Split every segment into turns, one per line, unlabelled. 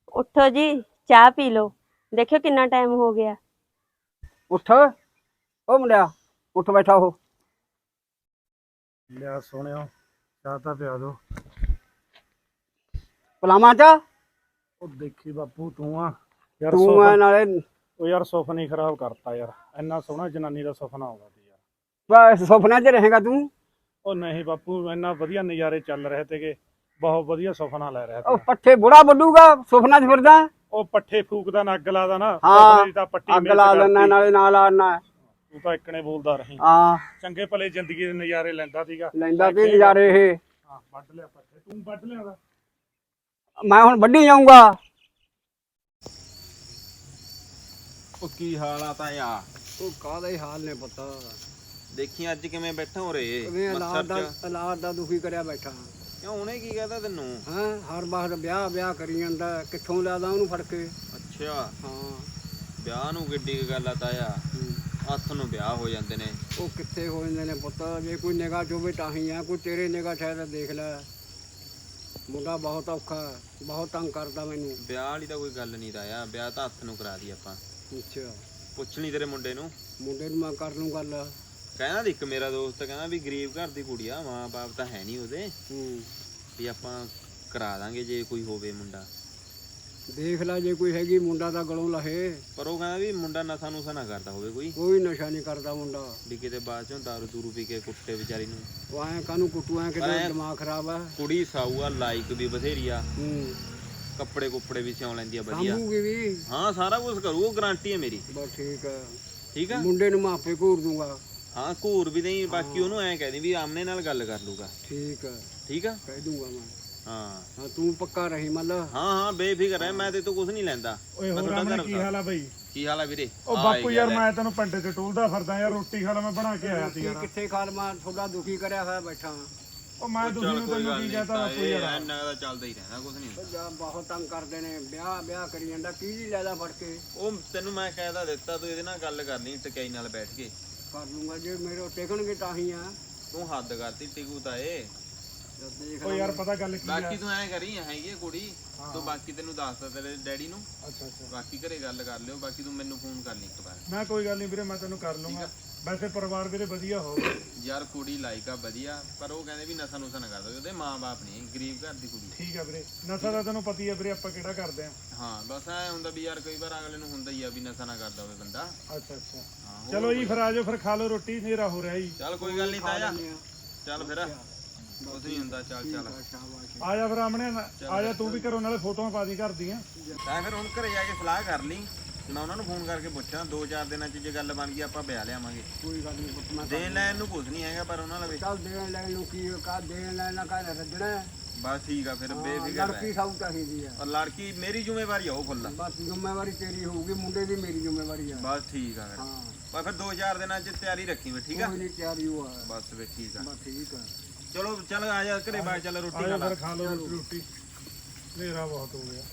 ਉੱਠੋ ਜੀ, ਚਾਹ ਪੀ ਲਓ। ਦੇਖਿਓ ਕਿੰਨਾ ਟਾਈਮ ਹੋ ਗਿਆ।
ਉੱਠ ਉਹ ਮੁੰਡਿਆ, ਉੱਠ ਬੈਠਾ ਉਹ।
ਲਿਆ ਸੋਹਣਿਓ, ਚਾਹ ਤਾਂ ਪਿਆ ਦੋ।
ਪਲਾਮਾ ਚ
ਉਹ ਦੇਖੀ ਬਾਪੂ ਤੂੰ ਆ ਯਾਰ
ਤੂੰ ਐ
ਸੁਪਨ।
ਨਾਲੇ
ਉਹ ਯਾਰ ਸੁਪਨਾ ਹੀ ਖਰਾਬ ਕਰਤਾ ਯਾਰ। ਇੰਨਾ ਸੋਹਣਾ ਜਨਾਨੀ ਦਾ ਸੁਪਨਾ ਆਉਂਦਾ ਸੀ ਯਾਰ।
ਬਸ ਸੁਪਨਿਆਂ 'ਚ ਰਹੇਗਾ ਤੂੰ।
ਉਹ ਨਹੀਂ ਬਾਪੂ, ਇੰਨਾ ਵਧੀਆ ਨਜ਼ਾਰੇ ਚੱਲ ਰਹੇ ਤੇਗੇ, ਬਹੁਤ ਵਧੀਆ ਸੁਪਨਾ ਲੈ ਰਿਹਾ
ਉਹ
ਤਾ।
ਪੱਠੇ ਬੁੜਾ ਵੱਢੂਗਾ, ਸੁਪਨਾ 'ਚ ਫਿਰਦਾ।
ਉਹ ਪੱਠੇ ਫੂਕਦਾ ਨਾ ਅੱਗ ਲਾਦਾ ਨਾ,
ਹਾਂ,
ਸੁਪਨੇ ਦੀ ਤਾਂ ਪੱਟੀ
ਅੱਗ
ਮਿਸ
ਲਾ ਲੈਣਾ
ਕਰਤੀ।
ਨਾਲੇ ਨਾਲ ਆਣਾ।
ਤੂੰ ਤਾਂ ਇੱਕਣੇ ਬੋਲਦਾ ਰਹੀ।
ਹਾਂ,
ਚੰਗੇ ਭਲੇ ਜ਼ਿੰਦਗੀ ਦੇ ਨਜ਼ਾਰੇ ਲੈਂਦਾ ਸੀਗਾ।
ਲੈਂਦਾ ਤੇ ਨਜ਼ਾਰੇ ਇਹ।
ਹਾਂ ਵੱਢ ਲਿਆ ਪੱਠੇ, ਤੂੰ ਵੱਢ ਲਿਆ।
ਮੈਂ ਹੁਣ ਵੱਢੀ ਜਾਊਂਗਾ।
ਉਹ ਕੀ ਹਾਲ ਆ ਤਾਂ ਯਾ?
ਉਹ ਕਾਹਦੇ ਹਾਲ ਨੇ ਪੁੱਤ?
ਦੇਖੀ ਅੱਜ ਕਿਵੇਂ ਬੈਠਾ ਹੋ ਰੇ
ਕਿਵੇਂ
ਮੱਸਰ ਚ?
ਔਲਾਦ ਦਾ ਦੁਖੀ ਕਰਿਆ ਬੈਠਾ।
ਕਿਉਂ ਉਹਨੇ ਕੀ ਕਹਤਾ ਤੈਨੂੰ?
ਹਾਂ, ਹਰ ਵਾਰ ਵਿਆਹ ਵਿਆਹ ਕਰੀ ਜਾਂਦਾ, ਕਿੱਥੋਂ ਲਿਆਦਾ ਉਹਨੂੰ ਫੜ ਕੇ।
ਅੱਛਾ,
ਹਾਂ,
ਵਿਆਹ ਨੂੰ ਕਿੱਡੀ ਕੁ ਗੱਲ ਆ ਤਾਇਆ? ਹੱਥ ਨੂੰ ਵਿਆਹ ਹੋ ਜਾਂਦੇ ਨੇ।
ਉਹ ਕਿੱਥੇ ਹੋ ਜਾਂਦੇ ਨੇ ਪੁੱਤ? ਜੇ ਕੋਈ ਨਿਗਾਹ ਚੋਵੇ ਤਾਂ ਹੀ ਆ, ਕੋਈ ਤੇਰੇ ਨਿਗਾਹ ਸ਼ਾਇਦ ਦੇਖ ਲੈ। ਮੁੰਡਾ ਬਹੁਤ ਔਖਾ, ਬਹੁਤ ਤੰਗ ਕਰਦਾ ਮੈਨੂੰ।
ਵਿਆਹ ਵਾਲੀ ਤਾਂ ਕੋਈ ਗੱਲ ਨਹੀਂ ਤਾਇਆ, ਵਿਆਹ ਤਾਂ ਹੱਥ ਨੂੰ ਕਰਾ ਦੀ ਆਪਾਂ।
ਅੱਛਾ,
ਪੁੱਛ ਲਈ ਤੇਰੇ ਮੁੰਡੇ ਨੂੰ।
ਮੁੰਡੇ ਨੂੰ ਮੈਂ ਕਰ ਲੂੰ ਗੱਲ।
ਕਹਿੰਦਾ ਇੱਕ ਮੇਰਾ ਦੋਸਤ ਕਹਿੰਦਾ ਵੀ ਗਰੀਬ ਘਰ ਦੀ ਕੁੜੀ ਆ, ਮਾਂ ਬਾਪ ਤਾਂ ਹੈ ਨਹੀਂ ਉਹਦੇ, ਵੀ ਆਪਾਂ ਕਰਾ ਦਾਂਗੇ ਜੇ ਕੋਈ ਹੋਵੇ ਮੁੰਡਾ।
ਦੇਖ ਲੈ ਜੇ ਕੋਈ ਹੈਗੀ, ਮੁੰਡਾ ਤਾਂ ਗਲੋਂ ਲਹੇ।
ਪਰ ਉਹ ਕਹਿੰਦਾ ਵੀ ਮੁੰਡਾ ਨਸ਼ਾ ਨੁਸ਼ਾ ਨਾ ਕਰਦਾ ਹੋਵੇ ਕੋਈ,
ਕੋਈ ਨਸ਼ਾ ਨਹੀਂ ਕਰਦਾ ਮੁੰਡਾ।
ਵੀ ਕਿਤੇ ਬਾਅਦ ਚੋਂ ਦਾਰੂ ਦੂਰੂ ਪੀ ਕੇ ਕੁੱਟੇ ਵਿਚਾਰੀ ਨੂੰ।
ਉਹ ਐਂ ਕਾਹਨੂੰ ਕੁੱਟੂ, ਐਂ ਕਿਤੇ ਦਿਮਾਗ ਖਰਾਬ ਆ।
ਕੁੜੀ ਸਾਊ ਆ, ਲਾਇਕ ਵੀ ਬਥੇਰੀ ਆ,
ਹੂੰ,
ਕੱਪੜੇ ਕੁੱਪੜੇ ਵੀ ਸਿਉਂ ਲੈਂਦੀ ਆ ਵਧੀਆ।
ਸਾਂਭੂਗੀ ਵੀ।
ਹਾਂ ਸਾਰਾ ਕੁਝ ਕਰੂ, ਉਹ ਗਾਰੰਟੀ ਹੈ ਮੇਰੀ।
ਬਸ ਠੀਕ ਆ।
ਠੀਕ ਆ,
ਮੁੰਡੇ ਨੂੰ ਮੈਂ ਆਪੇ ਘੂਰ ਦੂੰਗਾ।
ਹਾਂ ਘੂਰ ਵੀ ਨਹੀਂ, ਬਾਕੀ ਉਹਨੂੰ ਐਂ ਕਹਿ ਦੀ ਵੀ ਆਮਨੇ ਨਾਲ ਗੱਲ ਕਰ ਲੂਗਾ।
ਠੀਕ ਆ,
ਠੀਕ ਆ,
ਕਹਿ ਦੂੰਗਾ ਮੈਂ।
ਹਾਂ
ਹਾਂ, ਤੂੰ ਪੱਕਾ ਰਹੀ ਮਤਲਬ।
ਹਾਂ ਹਾਂ ਬੇਫਿਕਰ ਹੈ, ਮੈਂ ਤੇ ਤੋਂ ਕੁਝ ਨਹੀਂ ਲੈਂਦਾ।
ਓਏ
ਮੈਂ
ਹੋਰ
ਤੁਹਾਡਾ
ਰਾਮਣੇ
ਘਰ
ਕੀ
ਦਾ।
ਹਾਲ ਆ ਬਈ?
ਕੀ ਹਾਲ ਆ ਵੀਰੇ?
ਉਹ
ਆ
ਬਾਪੂ
ਗਿਆ
ਯਾਰ
ਲੈ।
ਮੈਂ ਤੈਨੂੰ ਪਿੰਡ 'ਚ ਟੋਲਦਾ ਫਿਰਦਾ ਯਾਰ, ਰੋਟੀ ਖਾ ਲਾ, ਮੈਂ ਬਣਾ ਕੇ ਆਇਆ ਸੀ ਯਾਰ।
ਕਿੱਥੇ ਖਾਲ ਮੈਂ ਤੁਹਾਡਾ ਦੁਖੀ ਕਰਿਆ ਹੋਇਆ ਬੈਠਾ।
ਉਹ ਮੈਂ ਤੁਸੀਂ ਨੂੰ ਤੈਨੂੰ ਕੀ ਕਹਤਾ ਬਾਪੂ ਯਾਰ?
ਇੰਨਾ ਦਾ ਚੱਲਦਾ ਹੀ ਰਹਿੰਦਾ, ਕੁਝ ਨਹੀਂ ਹੁੰਦਾ।
ਜਾਂ ਬਹੁਤ ਤੰਗ ਕਰਦੇ ਨੇ, ਵਿਆਹ ਵਿਆਹ ਕਰੀ ਜਾਂਦਾ, ਕੀ ਜੀ ਲੈਦਾ ਫੜ ਕੇ।
ਉਹ ਤੈਨੂੰ ਮੈਂ ਕਹਿਦਾ ਦਿੱਤਾ, ਤੂੰ ਇਹਦੇ ਨਾਲ ਗੱਲ ਕਰਨੀ ਟਕਾਈ ਨਾਲ ਬੈਠ ਕੇ।
ਕਰ ਲੂੰਗਾ ਜੇ ਮੇਰੇ ਟਿਕਣਗੇ ਤਾਂ ਹੀ ਆ।
ਤੂੰ ਹੱਦ ਕਰਤੀ ਟਿਕੂ ਤਾਂ ਏ।
ਜਦ ਦੇਖ
ਉਹ ਯਾਰ ਪਤਾ ਗੱਲ ਕੀ ਆ?
ਬਾਕੀ ਤੂੰ ਐਂ ਕਰੀ, ਹੈਗੀ ਆ ਕੁੜੀ, ਤੂੰ ਬਾਕੀ ਤੈਨੂੰ ਦੱਸਦਾ ਤੇਰੇ ਡੈਡੀ ਨੂੰ।
ਅੱਛਾ ਅੱਛਾ,
ਬਾਕੀ ਘਰੇ ਗੱਲ ਕਰ ਲਿਓ, ਬਾਕੀ ਤੂੰ ਮੈਨੂੰ ਫੋਨ ਕਰ ਲਈ ਇੱਕ ਵਾਰ।
ਮੈਂ ਕੋਈ ਗੱਲ ਨਹੀਂ ਵੀਰੇ, ਮੈਂ ਤੈਨੂੰ ਕਰ ਲੂੰਗਾ। ਵੈਸੇ ਪਰਿਵਾਰ ਵੀਰੇ ਵਧੀਆ ਹੋਵੇ
ਯਾਰ ਕੁੜੀ ਲਾਇਕ ਆ ਵਧੀਆ, ਪਰ ਉਹ ਕਹਿੰਦੇ ਵੀ ਨਸ਼ਾ ਨੁਸ਼ਾ ਨਾ ਕਰਦਾ, ਉਹਦੇ ਮਾਂ-ਬਾਪ ਨਹੀਂ, ਗਰੀਬ ਘਰ ਦੀ ਕੁੜੀ।
ਠੀਕ ਆ ਵੀਰੇ, ਨਸ਼ਾ ਦਾ ਤੈਨੂੰ ਪਤੀ ਆ ਵੀਰੇ, ਆਪਾਂ ਕਿਹੜਾ ਕਰਦੇ ਆ।
ਹਾਂ ਬਸ ਐ ਹੁੰਦਾ ਵੀ ਯਾਰ ਕਈ ਵਾਰ ਅਗਲੇ ਨੂੰ ਹੁੰਦਾ ਹੀ ਆ ਵੀ ਨਸ਼ਾ ਨਾ ਕਰਦਾ ਹੋਵੇ ਬੰਦਾ।
ਅੱਛਾ ਅੱਛਾ,
ਹਾਂ
ਚਲੋ ਜੀ ਫਿਰ ਆਜੋ, ਫਿਰ ਖਾ ਲਓ ਰੋਟੀ, ਹਨੇਰਾ ਹੋ ਰਿਹਾ ਜੀ।
ਚੱਲ ਕੋਈ ਗੱਲ ਨਹੀਂ ਤਾਇਆ, ਚੱਲ ਫਿਰ ਕੁਝ ਨਹੀਂ ਹੁੰਦਾ, ਚੱਲ ਚੱਲ
ਆ ਜਾ ਫਿਰ ਆਮਣੇ, ਆ ਜਾ ਤੂੰ ਵੀ ਘਰੋਂ, ਨਾਲੇ ਫੋਟੋਆਂ ਪਾ ਦੀ ਘਰ ਦੀਆਂ।
ਤਾਂ ਫਿਰ ਹੁਣ ਘਰੇ ਜਾ ਕੇ ਸਲਾਹ ਕਰ ਲਈ, ਮੈਂ ਉਹਨਾਂ ਨੂੰ ਫੋਨ ਕਰਕੇ ਪੁੱਛਾਂ 2-4 ਦਿਨਾਂ 'ਚ ਜੇ ਗੱਲ ਬਣ ਗਈ ਆਪਾਂ ਵਿਆਹ ਲਿਆਵਾਂਗੇ।
ਕੋਈ ਗੱਲ ਨਹੀਂ ਪੁੱਤ, ਮੈਂ
ਦੇਣ ਲੈਣ ਨੂੰ ਕੁਝ ਨਹੀਂ ਹੈਗਾ, ਪਰ ਉਹਨਾਂ ਲਵੇ
ਚੱਲ ਦੇਣ ਲੈਣ ਨੂੰ ਕੀ ਕਾ, ਦੇਣ ਲੈਣ ਨਾਲ ਕਾ ਰੱਜਣਾ।
ਬਸ ਠੀਕ ਆ, ਫਿਰ ਬੇਫਿਕਰ
ਲੜਕੀ
ਰਹਿ।
ਸਭ ਚਾਹੀਦੀ ਆ।
ਔਰ ਲੜਕੀ ਮੇਰੀ ਜ਼ਿੰਮੇਵਾਰੀ ਆ, ਉਹ ਫੁੱਲ।
ਬਸ ਜ਼ਿੰਮੇਵਾਰੀ ਤੇਰੀ ਹੋਊਗੀ, ਮੁੰਡੇ ਦੀ ਮੇਰੀ ਜ਼ਿੰਮੇਵਾਰੀ ਆ।
ਬਸ ਠੀਕ ਆ ਫਿਰ।
ਹਾਂ,
ਬਸ ਫਿਰ 2-4 ਦਿਨਾਂ 'ਚ ਤਿਆਰੀ ਰੱਖੀ ਵੇ, ਠੀਕ ਆ?
ਕੋਈ ਨਹੀਂ, ਤਿਆਰੀ ਹੋਆ।
ਬਸ ਫਿਰ ਠੀਕ ਆ,
ਬਸ ਠੀਕ ਆ।
ਚਲੋ ਚੱਲ ਆ ਜਾ ਘਰੇ ਬਾਹਰ, ਚੱਲ ਰੋਟੀ
ਆ
ਖਾ
ਜਾ
ਲਾ।
ਫਿਰ ਖਾ ਲਓ ਰੋਟੀ, ਹਨੇਰਾ ਬਹੁਤ ਹੋ ਗਿਆ।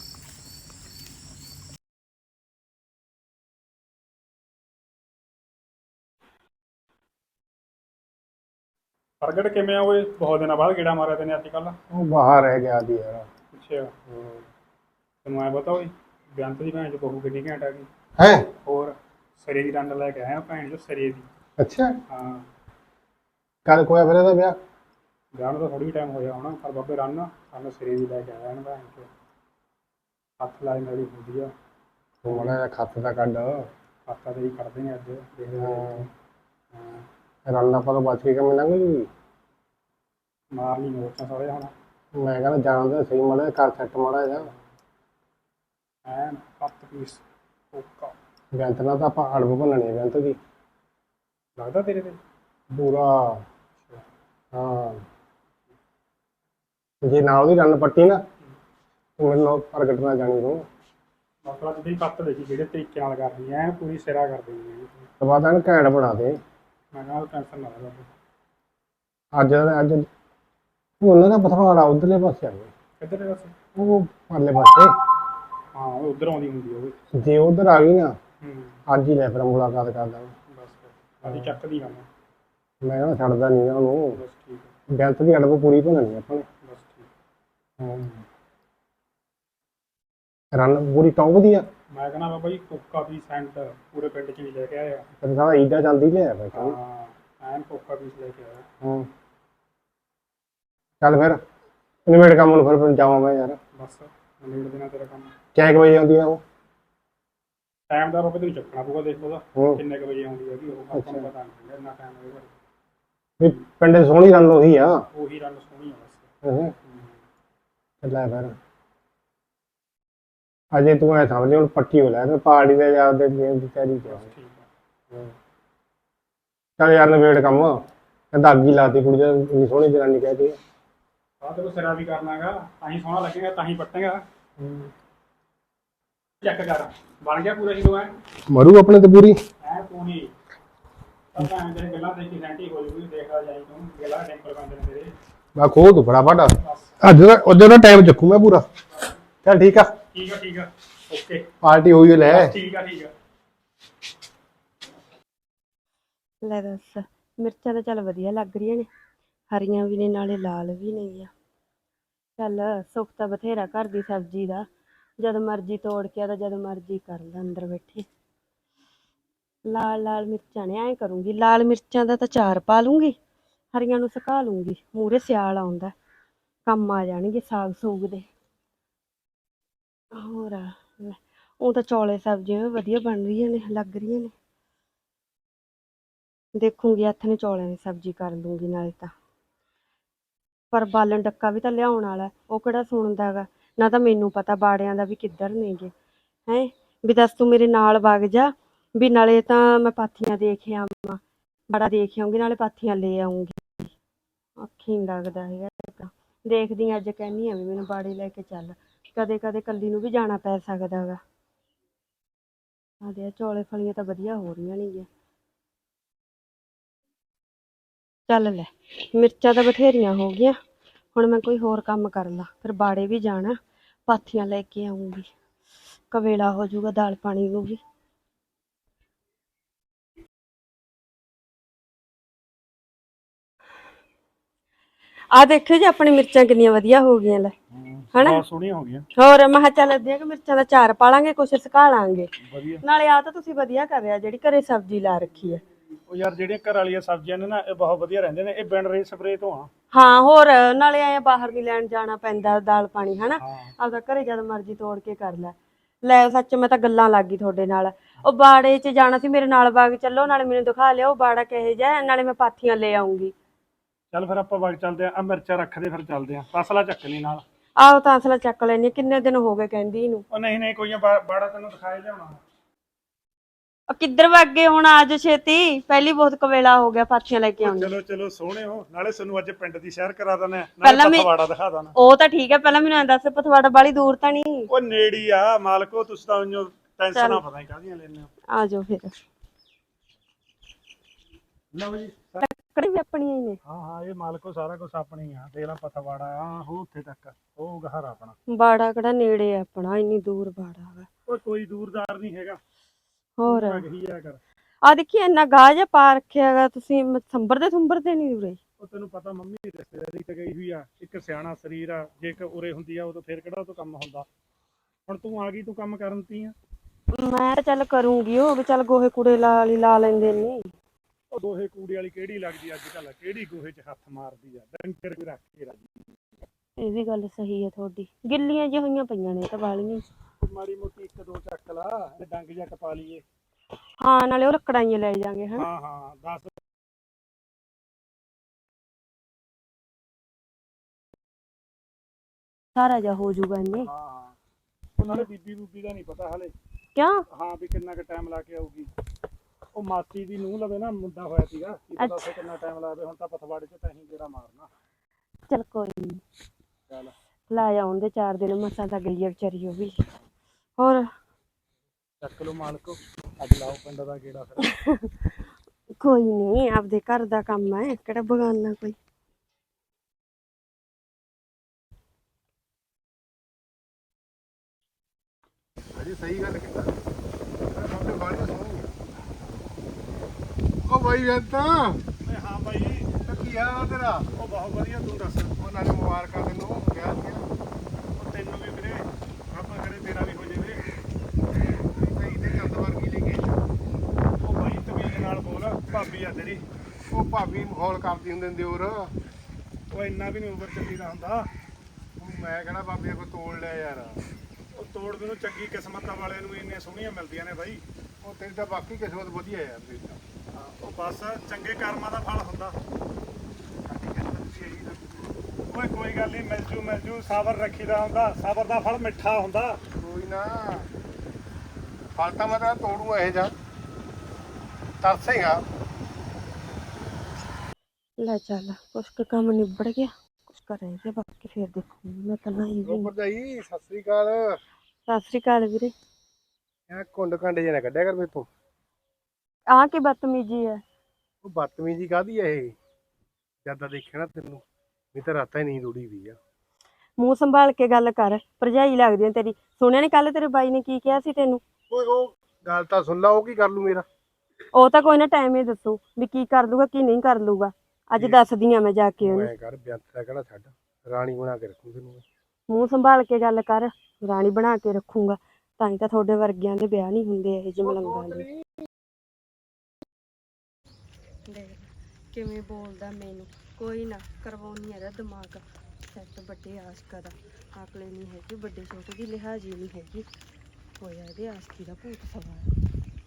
ਪ੍ਰਗਟ ਕਿਵੇਂ ਆ ਓਏ? ਬਹੁਤ ਦਿਨਾਂ ਬਾਅਦ ਗੇੜਾ ਮਾਰਿਆ ਤੈਨੇ ਅੱਜ ਕੱਲ।
ਉਹ ਬਾਹਰ ਰਹਿ ਗਿਆ ਦੀ ਯਾਰ।
ਅੱਛਾ, ਤੈਨੂੰ ਐ ਪਤਾ ਓਏ, ਬੇਅੰਤ ਦੀ ਭੈਣ ਚ ਬਹੂ ਕਿੰਨੀ ਘੈਂਟ ਆ ਗਈ।
ਹੈ
ਹੋਰ ਸਿਰੇ ਦੀ ਡੰਡ ਲੈ ਕੇ ਆਇਆ ਭੈਣ ਚੋ, ਸਿਰੇ ਦੀ।
ਅੱਛਾ,
ਹਾਂ,
ਕੱਲ ਕੋਈ ਫਿਰ ਇਹਦਾ ਵਿਆਹ?
ਵਿਆਹ ਨੂੰ ਤਾਂ ਥੋੜੀ ਟਾਈਮ ਹੋਇਆ ਹੋਣਾ, ਪਰ ਬਾਬੇ ਰੰਨ ਸਾਨੂੰ ਸਿਰੇ ਦੀ ਲੈ ਕੇ ਆਇਆ ਨਾ ਭੈਣ ਚੋ। ਹੱਥ ਲਾਈ ਨਾਲ ਹੁੰਦੀ ਆ,
ਤੂੰ ਮਾੜਾ ਜਿਹਾ ਖੱਤ ਦਾ ਕੱਢ।
ਹੱਥਾਂ ਤੇ ਹੀ ਕੱਢਦੇ ਨੇ ਅੱਜ, ਦੇਖਦੇ ਹਾਂ।
ਰਲਣਾ ਪਰ ਬਚ ਕੇ ਕਿਵੇਂ ਲੰਘ ਜੂਗੀ?
ਮਾਰ ਲਈ ਮੋਰਚਾ ਸਾਰੇ ਹੁਣ।
ਮੈਂ ਕਹਿੰਦਾ ਜਾਣਦੇ ਸਹੀ, ਮਾੜਾ ਜਿਹਾ ਕਰ ਸੈੱਟ ਮਾੜਾ ਜਿਹਾ।
ਐਨ ਕੱਟ ਪੀਸ ਓਕਾ।
ਬੈਂਤ ਨਾਲ ਤਾਂ ਆਪਾਂ ਅੜਬ ਭੰਨਣੀ ਹੈ, ਬੈਂਤ ਦੀ
ਲੱਗਦਾ ਤੇਰੇ ਤੇ?
ਪੂਰਾ। ਹਾਂ, ਜੇ ਨਾ ਉਹਦੀ ਰੰਨ ਪੱਟੀ ਨਾ, ਤੂੰ ਮੈਨੂੰ ਨਾਲ ਪ੍ਰਗਟ ਨਾਲ ਜਾਣੀ ਤੂੰ।
ਮਤਲਬ ਜਿਹੜੀ ਕੱਟ ਦੇਖੀ ਜਿਹੜੇ ਤਰੀਕੇ ਨਾਲ ਕਰਨੀ ਐ, ਪੂਰੀ ਸਿਰਾ ਕਰ ਦੇਣੀ ਹੈ।
ਤੋਂ ਬਾਅਦ ਇਹਨੂੰ ਘੈਂਟ ਬਣਾ ਦੇ।
ਮੈਂ ਕਿਹਾ ਟੈਨਸ਼ਨ ਨਾ ਲੈ ਬਾਬੇ।
ਅੱਜ ਉਹ ਉਹਨਾਂ ਦਾ ਪਥਵਾੜਾ ਉਧਰਲੇ ਪਾਸੇ ਆ ਗਿਆ,
ਕਿੱਧਰ ਹੈ ਵੈਸੇ?
ਉਹ ਪਰਲੇ ਪਾਸੇ।
ਹਾਂ ਉਹ ਉਧਰ ਆਉਂਦੀ ਹੁੰਦੀ ਆ ਉਹ।
ਜੇ ਉਧਰ ਆ ਗਈ ਨਾ,
ਹੂੰ,
ਅੱਜ ਹੀ ਲੈ ਫਿਰ ਮੁਲਾਕਾਤ ਕਰਦਾ।
ਬਸ ਫਿਰ ਆਦੀ ਚੱਕਦੀ ਆ
ਮੈਂ ਕਹਿੰਦਾ ਛੱਡਦਾ ਨਹੀਂ ਉਹਨੂੰ।
ਬਸ ਠੀਕ ਹੈ,
ਬੈਂਤ ਦੀ ਅੜਬ ਪੂਰੀ ਭੰਨਣੀ ਆਪਾਂ ਨੇ।
ਬਸ ਠੀਕ।
ਹਾਂ। ਰਨ ਪੂਰੀ ਟੌਪ ਦੀ ਆ।
ਮੈਂ ਕਹਿੰਦਾ ਬਾਬਾ ਜੀ ਕੋਕਾ ਪੀਸ ਸੈਂਟ ਪੂਰੇ ਪਿੰਡ 'ਚ ਵੀ ਲੈ ਕੇ ਆਇਆ।
ਫਿਰ ਸਾਰਾ ਈਦਾ ਚੱਲਦੀ ਲਿਆ ਮੈਂ ਕਿਹਾ।
ਹਾਂ ਐਨ ਕੋਕਾ ਪੀਸ ਲੈ ਕੇ ਆਇਆ।
ਹਾਂ ਚੱਲ ਫਿਰ ਨਿਬੇੜ ਕੰਮ ਨੂੰ ਫਿਰ ਜਾਵਾਂ ਮੈਂ ਯਾਰ।
ਬਸ ਨਿਬੇੜ ਦੇਣਾ ਤੇਰਾ ਕੰਮ।
ਕਿੰਨੇ ਕੁ ਵਜੇ ਆਉਂਦੀ ਆ ਉਹ?
ਟਾਈਮ ਦਾ ਬਾਬਾ ਤੈਨੂੰ ਚੱਕਣਾ ਪਊਗਾ, ਦੇਖ ਉਹਦਾ
ਹੂੰ।
ਕਿੰਨੇ ਕੁ ਵਜੇ ਆਉਂਦੀ ਹੈਗੀ ਉਹ। ਆਪਾਂ ਨੂੰ ਪਤਾ ਨਹੀਂ ਇੰਨਾ ਟਾਈਮ ਹੋਏਗਾ।
ਵੀ ਪਿੰਡ 'ਚ ਸੋਹਣੀ ਰਨ ਉਹੀ ਆ।
ਉਹੀ ਰੰਗ ਸੋਹਣੀ ਆ ਬਸ।
ਹੂੰ ਲੈ ਫਿਰ ਅਜੇ ਤੂੰ ਐ ਸਮਝ ਹੁਣ ਪੱਕੀ ਹੋ ਲੈ ਤੇ ਪਾਰਟੀ ਦੇ ਯਾਰ ਦੇ ਗੇਮ ਦੀ ਤਿਆਰੀ ਕਰ।
ਠੀਕ ਆ।
ਚੱਲ ਯਾਰ ਨਿਬੇੜ ਕੰਮ। ਕਹਿੰਦਾ ਅੱਗ ਹੀ ਲਾਤੀ ਕੁੜੀ ਦੇ ਇੰਨੀ ਸੋਹਣੀ ਜਨਾਨੀ ਕਹਿ ਕੇ।
ਆਹ ਤੈਨੂੰ ਸਿਰਾ ਵੀ ਕਰਨਾਗਾ ਤਾਂ ਹੀ ਸੋਹਣਾ ਲੱਗੇਗਾ, ਤਾਂ ਹੀ ਪੱਟੇਗਾ। ਚੈੱਕ ਕਰ ਬਣ ਗਿਆ ਪੂਰਾ ਹੀਰੋ ਐ।
ਮਰੂ ਆਪਣੇ ਤੇ ਪੂਰੀ
ਐ ਪੂਰੀ ਪਤਾ ਐ ਤੇਰੇ ਗੱਲਾਂ ਦੇਖ ਕੇ ਸੈਂਟੀ ਹੋ ਜੂਗੀ। ਦੇਖਦਾ ਜਾਈ ਤੂੰ ਗੱਲਾਂ ਟੈਂਪਰ ਕਰਦੇ ਨੇ ਤੇਰੇ।
ਮੈਂ ਖੋਲ ਤੂੰ ਫਟਾਫਟ ਅੱਜ ਦਾ ਉਹਦੇ ਦਾ ਟਾਈਮ ਚੱਕੂ ਮੈਂ ਪੂਰਾ। ਚੱਲ ਠੀਕ ਆ
ਠੀਕ ਆ ਠੀਕ ਆ ਓਕੇ
ਪਾਰਟੀ ਹੋਈ ਲੈ।
ਠੀਕ ਆ ਠੀਕ ਆ।
ਲੈ ਦੱਸ, ਮਿਰਚਾਂ ਤਾਂ ਚੱਲ ਵਧੀਆ ਲੱਗ ਰਹੀਆਂ ਨੇ, ਹਰੀਆਂ ਵੀ ਨੇ ਨਾਲੇ ਲਾਲ ਵੀ ਨੇ। ਚੱਲ ਸੁੱਖ ਤਾਂ ਬਥੇਰਾ ਘਰ ਦੀ ਸਬਜ਼ੀ ਦਾ, ਜਦ ਮਰਜ਼ੀ ਤੋੜ ਕੇ ਤਾਂ ਜਦ ਮਰਜ਼ੀ ਕਰ ਲੈ ਅੰਦਰ ਬੈਠੇ। ਲਾਲ ਲਾਲ ਮਿਰਚਾਂ ਨੇ, ਐਂ ਕਰੂੰਗੀ ਲਾਲ ਮਿਰਚਾਂ ਦਾ ਤਾਂ ਚਾਰ ਪਾ ਲੂੰਗੀ, ਹਰੀਆਂ ਨੂੰ ਸੁਕਾ ਲੂੰਗੀ। ਮੂਹਰੇ ਸਿਆਲ ਆਉਂਦਾ, ਕੰਮ ਆ ਜਾਣਗੇ ਸਾਗ ਸੂਗ ਦੇ। ਹੋਰ ਉਹ ਤਾਂ ਚੌਲੇ ਸਬਜ਼ੀਆਂ ਵਧੀਆ ਬਣ ਰਹੀਆਂ ਨੇ, ਲੱਗ ਰਹੀਆਂ ਨੇ। ਦੇਖੂੰਗੀ ਹੱਥ ਨੇ ਚੌਲਿਆਂ ਦੀ ਸਬਜ਼ੀ ਕਰ ਲੂੰਗੀ ਨਾਲੇ ਤਾਂ। ਪਰ ਬਾਲਣ ਡੱਕਾ ਵੀ ਤਾਂ ਲਿਆਉਣ ਵਾਲਾ, ਉਹ ਕਿਹੜਾ ਸੁਣਦਾ ਗਾ। ਨਾ ਤਾਂ ਮੈਨੂੰ ਪਤਾ ਬਾੜਿਆਂ ਦਾ ਵੀ ਕਿੱਧਰ ਨੇਗੇ। ਹੈਂ ਵੀ ਦੱਸ ਤੂੰ ਮੇਰੇ ਨਾਲ ਵਗ ਜਾ, ਵੀ ਨਾਲੇ ਤਾਂ ਮੈਂ ਪਾਥੀਆਂ ਦੇਖ ਆਵਾਂ, ਬਾੜਾ ਦੇਖ ਆਉਂਗੀ, ਨਾਲੇ ਪਾਥੀਆਂ ਲੈ ਆਉਂਗੀ। ਅੱਖੀ ਨੀ ਲੱਗਦਾ ਹੈਗਾ। ਦੇਖਦੀ ਅੱਜ ਕਹਿੰਦੀ ਆ ਵੀ ਮੈਨੂੰ ਬਾੜੇ ਲੈ ਕੇ ਚੱਲ, ਕਦੇ ਕਦੇ ਕੱਲੀ ਨੂੰ ਵੀ ਜਾਣਾ ਪੈ ਸਕਦਾ ਗਾ। ਆਦੇ ਚੌਲੇ ਫਲੀਆਂ ਤਾਂ ਵਧੀਆ ਹੋ ਰਹੀਆਂ ਨੇਗੀਆਂ। ਚੱਲ ਲੈ ਮਿਰਚਾਂ ਤਾਂ ਬਥੇਰੀਆਂ ਹੋ ਗਈਆਂ, ਹੁਣ ਮੈਂ ਕੋਈ ਹੋਰ ਕੰਮ ਕਰ ਲਾਂ। ਫਿਰ ਬਾੜੇ ਵੀ ਜਾਣਾ, ਪਾਥੀਆਂ ਲੈ ਕੇ ਆਉਂਗੀ, ਕਵੇਲਾ ਹੋ ਜਾਊਗਾ ਦਾਲ ਪਾਣੀ ਨੂੰ ਵੀ। ਆ ਦੇਖਿਓ ਜੀ ਆਪਣੀ ਮਿਰਚਾਂ ਕਿੰਨੀਆਂ ਵਧੀਆ ਹੋ ਗਈਆਂ ਲੈ, ਹਨਾ
ਬਹੁਤ ਸੋਹਣੀਆਂ ਹੋ ਗਈਆਂ।
ਹੋਰ ਮੈਂ ਕਿਹਾ ਚੱਲ ਅੱਧੀਆਂ ਕਿ ਮਿਰਚਾਂ ਦਾ ਚਾਰ ਪਾ ਲਾਂਗੇ, ਕੁਛ ਸੁਕਾ ਲਾਂਗੇ।
ਵਧੀਆ
ਨਾਲੇ ਆ ਤਾਂ ਤੁਸੀਂ ਵਧੀਆ ਕਰ ਰਿਹਾ ਜਿਹੜੀ ਘਰੇ ਸਬਜ਼ੀ ਲਾ ਰੱਖੀ ਹੈ।
ਉਹ ਯਾਰ ਜਿਹੜੀਆਂ ਘਰ ਵਾਲੀਆਂ ਸਬਜ਼ੀਆਂ ਨੇ ਨਾ ਇਹ ਬਹੁਤ ਵਧੀਆ ਰਹਿੰਦੇ ਨੇ। ਇਹ ਬਿਨ ਰੇ ਸਪਰੇ ਤੋਂ ਆ।
ਹਾਂ ਹੋਰ ਨਾਲੇ ਐ ਬਾਹਰ ਨਹੀਂ ਲੈਣ ਜਾਣਾ ਪੈਂਦਾ ਦਾਲ ਪਾਣੀ, ਹਨਾ
ਹਾਂ
ਆਪਦਾ ਘਰੇ ਜਦ ਮਰਜ਼ੀ ਤੋੜ ਕੇ ਕਰ ਲੈ। ਲੈ ਸੱਚ ਮੈਂ ਤਾਂ ਗੱਲਾਂ ਲੱਗ ਗਈ ਤੁਹਾਡੇ ਨਾਲ। ਉਹ ਬਾੜੇ 'ਚ ਜਾਣਾ ਸੀ, ਮੇਰੇ ਨਾਲ ਬਾਗ ਚੱਲੋ, ਨਾਲੇ ਮੈਨੂੰ ਦਿਖਾ ਲਿਓ ਬਾੜਾ ਕਿਹੋ ਜਿਹਾ, ਨਾਲੇ ਮੈਂ ਪਾਥੀਆਂ ਲੈ ਆਉਂਗੀ।
ਚੱਲ ਫਿਰ ਆਪਾਂ ਵਗ ਚੱਲਦੇ ਆ। ਮਿਰਚਾਂ ਰੱਖਦੇ ਫਿਰ ਚੱਲਦੇ ਆ। ਤਸਲਾ ਚੱਕ ਲਈ ਨਾਲ।
ਆਹੋ ਤਾਂ ਅਸਲਾ ਚੱਕ ਲੈਣੀ, ਕਿੰਨੇ ਦਿਨ ਹੋ ਗਏ ਕਹਿੰਦੀ ਇਹਨੂੰ।
ਉਹ ਨਹੀਂ ਨਹੀਂ ਕੋਈ ਬਾੜਾ ਤੈਨੂੰ ਦਿਖਾਏ ਲਿਆਉਣਾ।
ਕਿੱਧਰ ਵਗ ਗਏ ਹੁਣ, ਆਜ ਛੇਤੀ, ਪਹਿਲੀ ਬਹੁਤ ਕਵੇਲਾ ਹੋ ਗਿਆ, ਪਾਥੀਆਂ ਲੈ ਕੇ ਆਉਣੀ।
ਚਲੋ ਚਲੋ ਸੋਹਣੇ ਹੋ, ਨਾਲੇ ਸਾਨੂੰ ਅੱਜ ਪਿੰਡ ਦੀ ਸੈਰ ਕਰਾ ਦਨੇ,
ਪਹਿਲਾਂ
ਨਾਲੇ
ਮੈਂ-
ਪਥਵਾੜਾ ਦਿਖਾ ਦੇਣਾ।
ਉਹ ਤਾਂ ਠੀਕ ਹੈ, ਪਹਿਲਾਂ ਮੈਨੂੰ ਐਂ ਦੱਸ ਪਥਵਾੜਾ ਬਾਲੀ ਦੂਰ ਤਾਂ ਨਹੀਂ?
ਉਹ ਨੇੜੀ ਆ ਮਾਲਕੋ, ਤੁਸੀਂ ਤਾਂ ਉਹਨੂੰ ਟੈਨਸ਼ਨਾਂ ਪਤਾ ਨਹੀਂ ਕਾਹਦੀਆਂ ਲੈਣੇ ਹੋ।
ਆ ਜਾਓ ਫਿਰ।
ਲਓ ਜੀ
ਲੱਕੜੀ ਵੀ ਆਪਣੀਆਂ ਹੀ ਨੇ?
ਹਾਂ ਹਾਂ ਇਹ ਮਾਲਕੋ ਸਾਰਾ ਕੁਝ ਆਪਣੀ ਆ। ਦੇਖ ਲਾ ਪਥਵਾੜਾ ਆ ਉਹ ਉੱਥੇ ਤੱਕ, ਉਹ ਘਰ ਆਪਣਾ।
ਬਾੜਾ ਕਿਹੜਾ ਨੇੜੇ ਆ ਆਪਣਾ, ਇੰਨੀ ਦੂਰ ਬਾੜਾ ਵਾ।
ਉਹ ਕੋਈ ਦੂਰਦਾਰ ਨਹੀਂ ਹੈਗਾ।
ਹੋਰ
ਮੈਂ ਕਹੀ ਜਾ ਕਰ।
ਆ ਦੇਖੀ ਇੰਨਾ ਗਾਹ ਜਿਹਾ ਪਾ ਰੱਖਿਆ ਹੈਗਾ ਤੁਸੀਂ, ਸੰਭਰਦੇ ਨਹੀਂ ਉਰੇ।
ਉਹ ਤੈਨੂੰ ਪਤਾ ਮੰਮੀ ਰਿਸ਼ਤੇਦਾਰੀ ਤੇ ਗਈ ਹੋਈ ਆ, ਇੱਕ ਸਿਆਣਾ ਸਰੀਰ ਆ। ਜੇ ਕਿ ਉਰੇ ਹੁੰਦੀ ਆ ਉਦੋਂ ਫੇਰ ਕਿਹੜਾ ਉਹ ਤੋਂ ਕੰਮ ਹੁੰਦਾ। ਹੁਣ ਤੂੰ ਆ ਗਈ, ਤੂੰ ਕੰਮ ਕਰਨ ਤੀ ਆ।
ਮੈਂ ਤਾਂ ਚੱਲ ਕਰੂੰਗੀ, ਉਹ ਵੀ ਚੱਲ ਗੋਹੇ ਕੂੜੇ ਲਾ ਲੈਂਦੇ ਨੇ।
ਉਹ ਦੋਹੇ ਕੂੜੇ ਵਾਲੀ ਕਿਹੜੀ ਲੱਗਦੀ ਅੱਜ ਕੱਲ, ਕਿਹੜੀ ਗੋਹੇ 'ਚ ਹੱਥ ਮਾਰਦੀ ਆ। ਡੰਗਰ ਕੋਈ ਰੱਖ ਕੇ ਰਾਜੀ।
ਇਹ ਵੀ ਗੱਲ ਸਹੀ ਹੈ ਤੁਹਾਡੀ, ਗਿੱਲੀਆਂ ਜਿਹੀਆਂ ਹੋਈਆਂ ਪਈਆਂ ਨੇ ਤਾਂ ਵਾਲੀਆਂ।
ਮਾੜੀ ਮੋਟੀ ਇੱਕ ਦੋ ਚੱਕ ਲਾ, ਤੇ ਡੰਗ ਜਾਂ ਟਪਾ ਲਈਏ।
ਹਾਂ ਨਾਲੇ ਉਹ ਲੱਕੜਾਂ ਹੀ ਲੈ ਜਾਾਂਗੇ ਹਨਾ।
ਹਾਂ ਹਾਂ 10
ਸਾਰਾ ਜਿਹਾ ਹੋ ਜਾਊਗਾ ਇਹਨੇ।
ਹਾਂ ਹਾਂ ਉਹ ਨਾਲੇ ਬੀਬੀ ਬੂਬੀ ਦਾ ਨਹੀਂ ਪਤਾ ਹਲੇ।
ਕਿਉਂ?
ਹਾਂ ਵੀ ਕਿੰਨਾ ਕੁ ਟਾਈਮ ਲਾ ਕੇ ਆਊਗੀ। ਉਹ ਮਾਸੀ ਦੀ ਨੂੰਹ ਲਵੇ ਨਾ ਮੁੰਡਾ ਹੋਇਆ ਸੀਗਾ, ਕੀ ਪਤਾ ਉੱਥੇ ਕਿੰਨਾ ਟਾਈਮ ਲਾਵੇ। ਹੁਣ ਤਾਂ ਪਥਵਾੜੇ 'ਚ ਤਾਂ ਅਸੀਂ ਜਿਹੜਾ ਮਾਰਨਾ।
ਚੱਲ ਕੋਈ ਨੀ,
ਚੱਲ
ਲਾ ਆਉਣ ਦੇ 4 ਦਿਨ, ਮਸਾਂ ਤਾਂ ਗਈ ਆ ਵਿਚਾਰੀ ਉਹ ਵੀ। ਹੋਰ
ਚੱਕ ਲਓ ਮਾਲਕੋ, ਅੱਜ ਲਾਓ ਪਿੰਡ ਦਾ ਗੇੜਾ ਫਿਰ।
ਕੋਈ ਨੀ, ਆਪਦੇ ਘਰ ਦਾ ਕੰਮ ਹੈ, ਕਿਹੜਾ ਬਗਾਨਾ ਕੋਈ।
ਅਜੀ ਸਹੀ ਗੱਲ ਕੀਤਾ। ਸਾਡੇ ਬਾੜੀ ਸੋਹਣੀ ਉਹ ਬਾਈ ਵੇਤਾ
ਓਏ ਹਾਂ ਬਾਈ,
ਕੀ ਹਾਲ ਤੇਰਾ?
ਉਹ ਬਹੁਤ ਵਧੀਆ। ਤੂੰ ਦੱਸ।
ਉਹਨਾਂ ਨੇ ਮੁਬਾਰਕਾਂ ਤੈਨੂੰ ਕਿਹਾ ਸੀ।
ਉਹ ਤੈਨੂੰ ਵੀ ਵੀਰੇ, ਆਪਾਂ ਕਰੇ ਤੇਰਾ ਵੀ ਹੋ
ਭਾਬੀ ਮਖੌਲ ਕਰਦੀ ਹੁੰਦੇ ਨੇ ਦਿਓਰ।
ਉਹ ਇੰਨਾ ਵੀ ਨਹੀਂ ਓਵਰ ਚੱਲੀਦਾ ਹੁੰਦਾ।
ਮੈਂ ਕਹਿਣਾ ਭਾਬੀ ਕੋ ਤੋੜ ਲਿਆ ਯਾਰ।
ਉਹ ਤੋੜ ਨੂੰ ਚੰਗੀ ਕਿਸਮਤਾਂ ਵਾਲਿਆਂ ਨੂੰ ਇੰਨੀਆਂ ਸੋਹਣੀਆਂ ਮਿਲਦੀਆਂ ਨੇ ਬਾਈ।
ਉਹ ਤੇਰੀ ਤਾਂ ਬਾਕੀ ਕਿਸਮਤ ਵਧੀਆ ਯਾਰ ਤੇਰੀ ਤਾਂ।
ਉਹ ਬਸ ਚੰਗੇ ਕਰਮਾਂ ਦਾ ਫਲ ਹੁੰਦਾ। ਓਏ ਕੋਈ ਗੱਲ ਨਹੀਂ, ਮਿਲ ਜੂ ਸਬਰ ਰੱਖੀਦਾ ਹੁੰਦਾ, ਸਬਰ ਦਾ ਫਲ ਮਿੱਠਾ ਹੁੰਦਾ।
ਕੋਈ ਨਾ ਫਲ ਤਾਂ ਮੈਂ ਤਾਂ ਤੋੜੂ ਇਹ ਜਾ ਤਰਸੇਗਾ।
ਲੈ ਚੱਲ ਕੁਛ ਕੁ ਕੰਮ ਨਿਬੜ ਗਿਆ, ਕੁਛ ਕਰ ਰਹਿ ਗਿਆ, ਬਾਕੀ ਫੇਰ ਦੇਖੂੰਗੀ ਮੈਂ ਤਾਂ ਨਹੀਂ ਵੀ।
ਭਰਜਾਈ ਸਤਿ ਸ੍ਰੀ ਅਕਾਲ।
ਸਤਿ ਸ੍ਰੀ ਅਕਾਲ ਵੀਰੇ।
ਇਹ ਕੁੰਡ ਕਾਂਡੇ ਜੇ ਨਾ ਕੱਢਿਆ ਕਰ ਮੇਰੇ ਤੋਂ।
ਆਹ ਕੀ ਬਦਤਮੀਜੀ ਹੈ?
ਉਹ ਬਦਤਮੀਜੀ ਕਾਹਦੀ ਆ ਇਹ? ਜਿਆਦਾ ਦੇਖਿਆ ਨਾ ਤੈਨੂੰ ਵੀ ਤਾਂ ਰਾਤਾਂ ਹੀ ਨੀਂਦ ਉੜੀ ਵੀ ਆ।
ਮੂੰਹ ਸੰਭਾਲ ਕੇ ਗੱਲ ਕਰ, ਭਰਜਾਈ ਲੱਗਦੀ ਆ ਤੇਰੀ। ਸੁਣਿਆ ਨੀ ਕੱਲ ਤੇਰੇ ਬਾਈ ਨੇ ਕੀ ਕਿਹਾ ਸੀ ਤੈਨੂੰ?
ਓਏ ਉਹ ਗੱਲ ਤਾਂ ਸੁਣ ਲਾ, ਉਹ ਕੀ ਕਰ ਲੂ ਮੇਰਾ?
ਉਹ ਤਾਂ ਕੋਈ ਨਾ ਟਾਈਮ ਹੀ ਦੱਸੂ ਵੀ ਕੀ ਕਰ ਲੂਗਾ ਕੀ ਨਹੀਂ ਕਰ ਲੂਗਾ। ਅੱਜ ਦੱਸਦੀ ਆ ਮੈਂ ਜਾ ਕੇ ਉਹਨੂੰ।
ਮੈਂ ਕਰ ਬਿਆੰਤ ਦਾ ਕਿਹੜਾ ਛੱਡ, ਰਾਣੀ ਬਣਾ ਕੇ ਰੱਖੂ ਤੈਨੂੰ ਮੈਂ।
ਮੂੰਹ ਸੰਭਾਲ ਕੇ ਗੱਲ ਕਰ, ਰਾਣੀ ਬਣਾ ਕੇ ਰੱਖੂੰਗਾ। ਤਾਂ ਹੀ ਤਾਂ ਤੁਹਾਡੇ ਵਰਗਿਆਂ ਦੇ ਵਿਆਹ ਨਹੀਂ ਹੁੰਦੇ ਇਹ ਜਿਹੇ ਮਲੰਗਾਂ ਦੇ। ਦੇਖ ਕਿਵੇਂ ਬੋਲਦਾ ਮੈਨੂੰ। ਕੋਈ ਨਾ ਕਰਵਾਉਣੀ ਇਹਦਾ ਦਿਮਾਗ ਸੈੱਟ। ਵੱਡੇ ਆਸ਼ਕਾਂ ਦਾ ਅਕਲ ਨਹੀਂ ਹੈਗੀ, ਵੱਡੇ ਛੋਟੇ ਦੀ ਲਿਹਾਜ਼ ਹੀ ਨਹੀਂ ਹੈਗੀ। ਹੋਇਆ ਇਹਦੇ ਆਸ਼ਕੀ ਦਾ ਭੂਤ ਸਵਾਰ।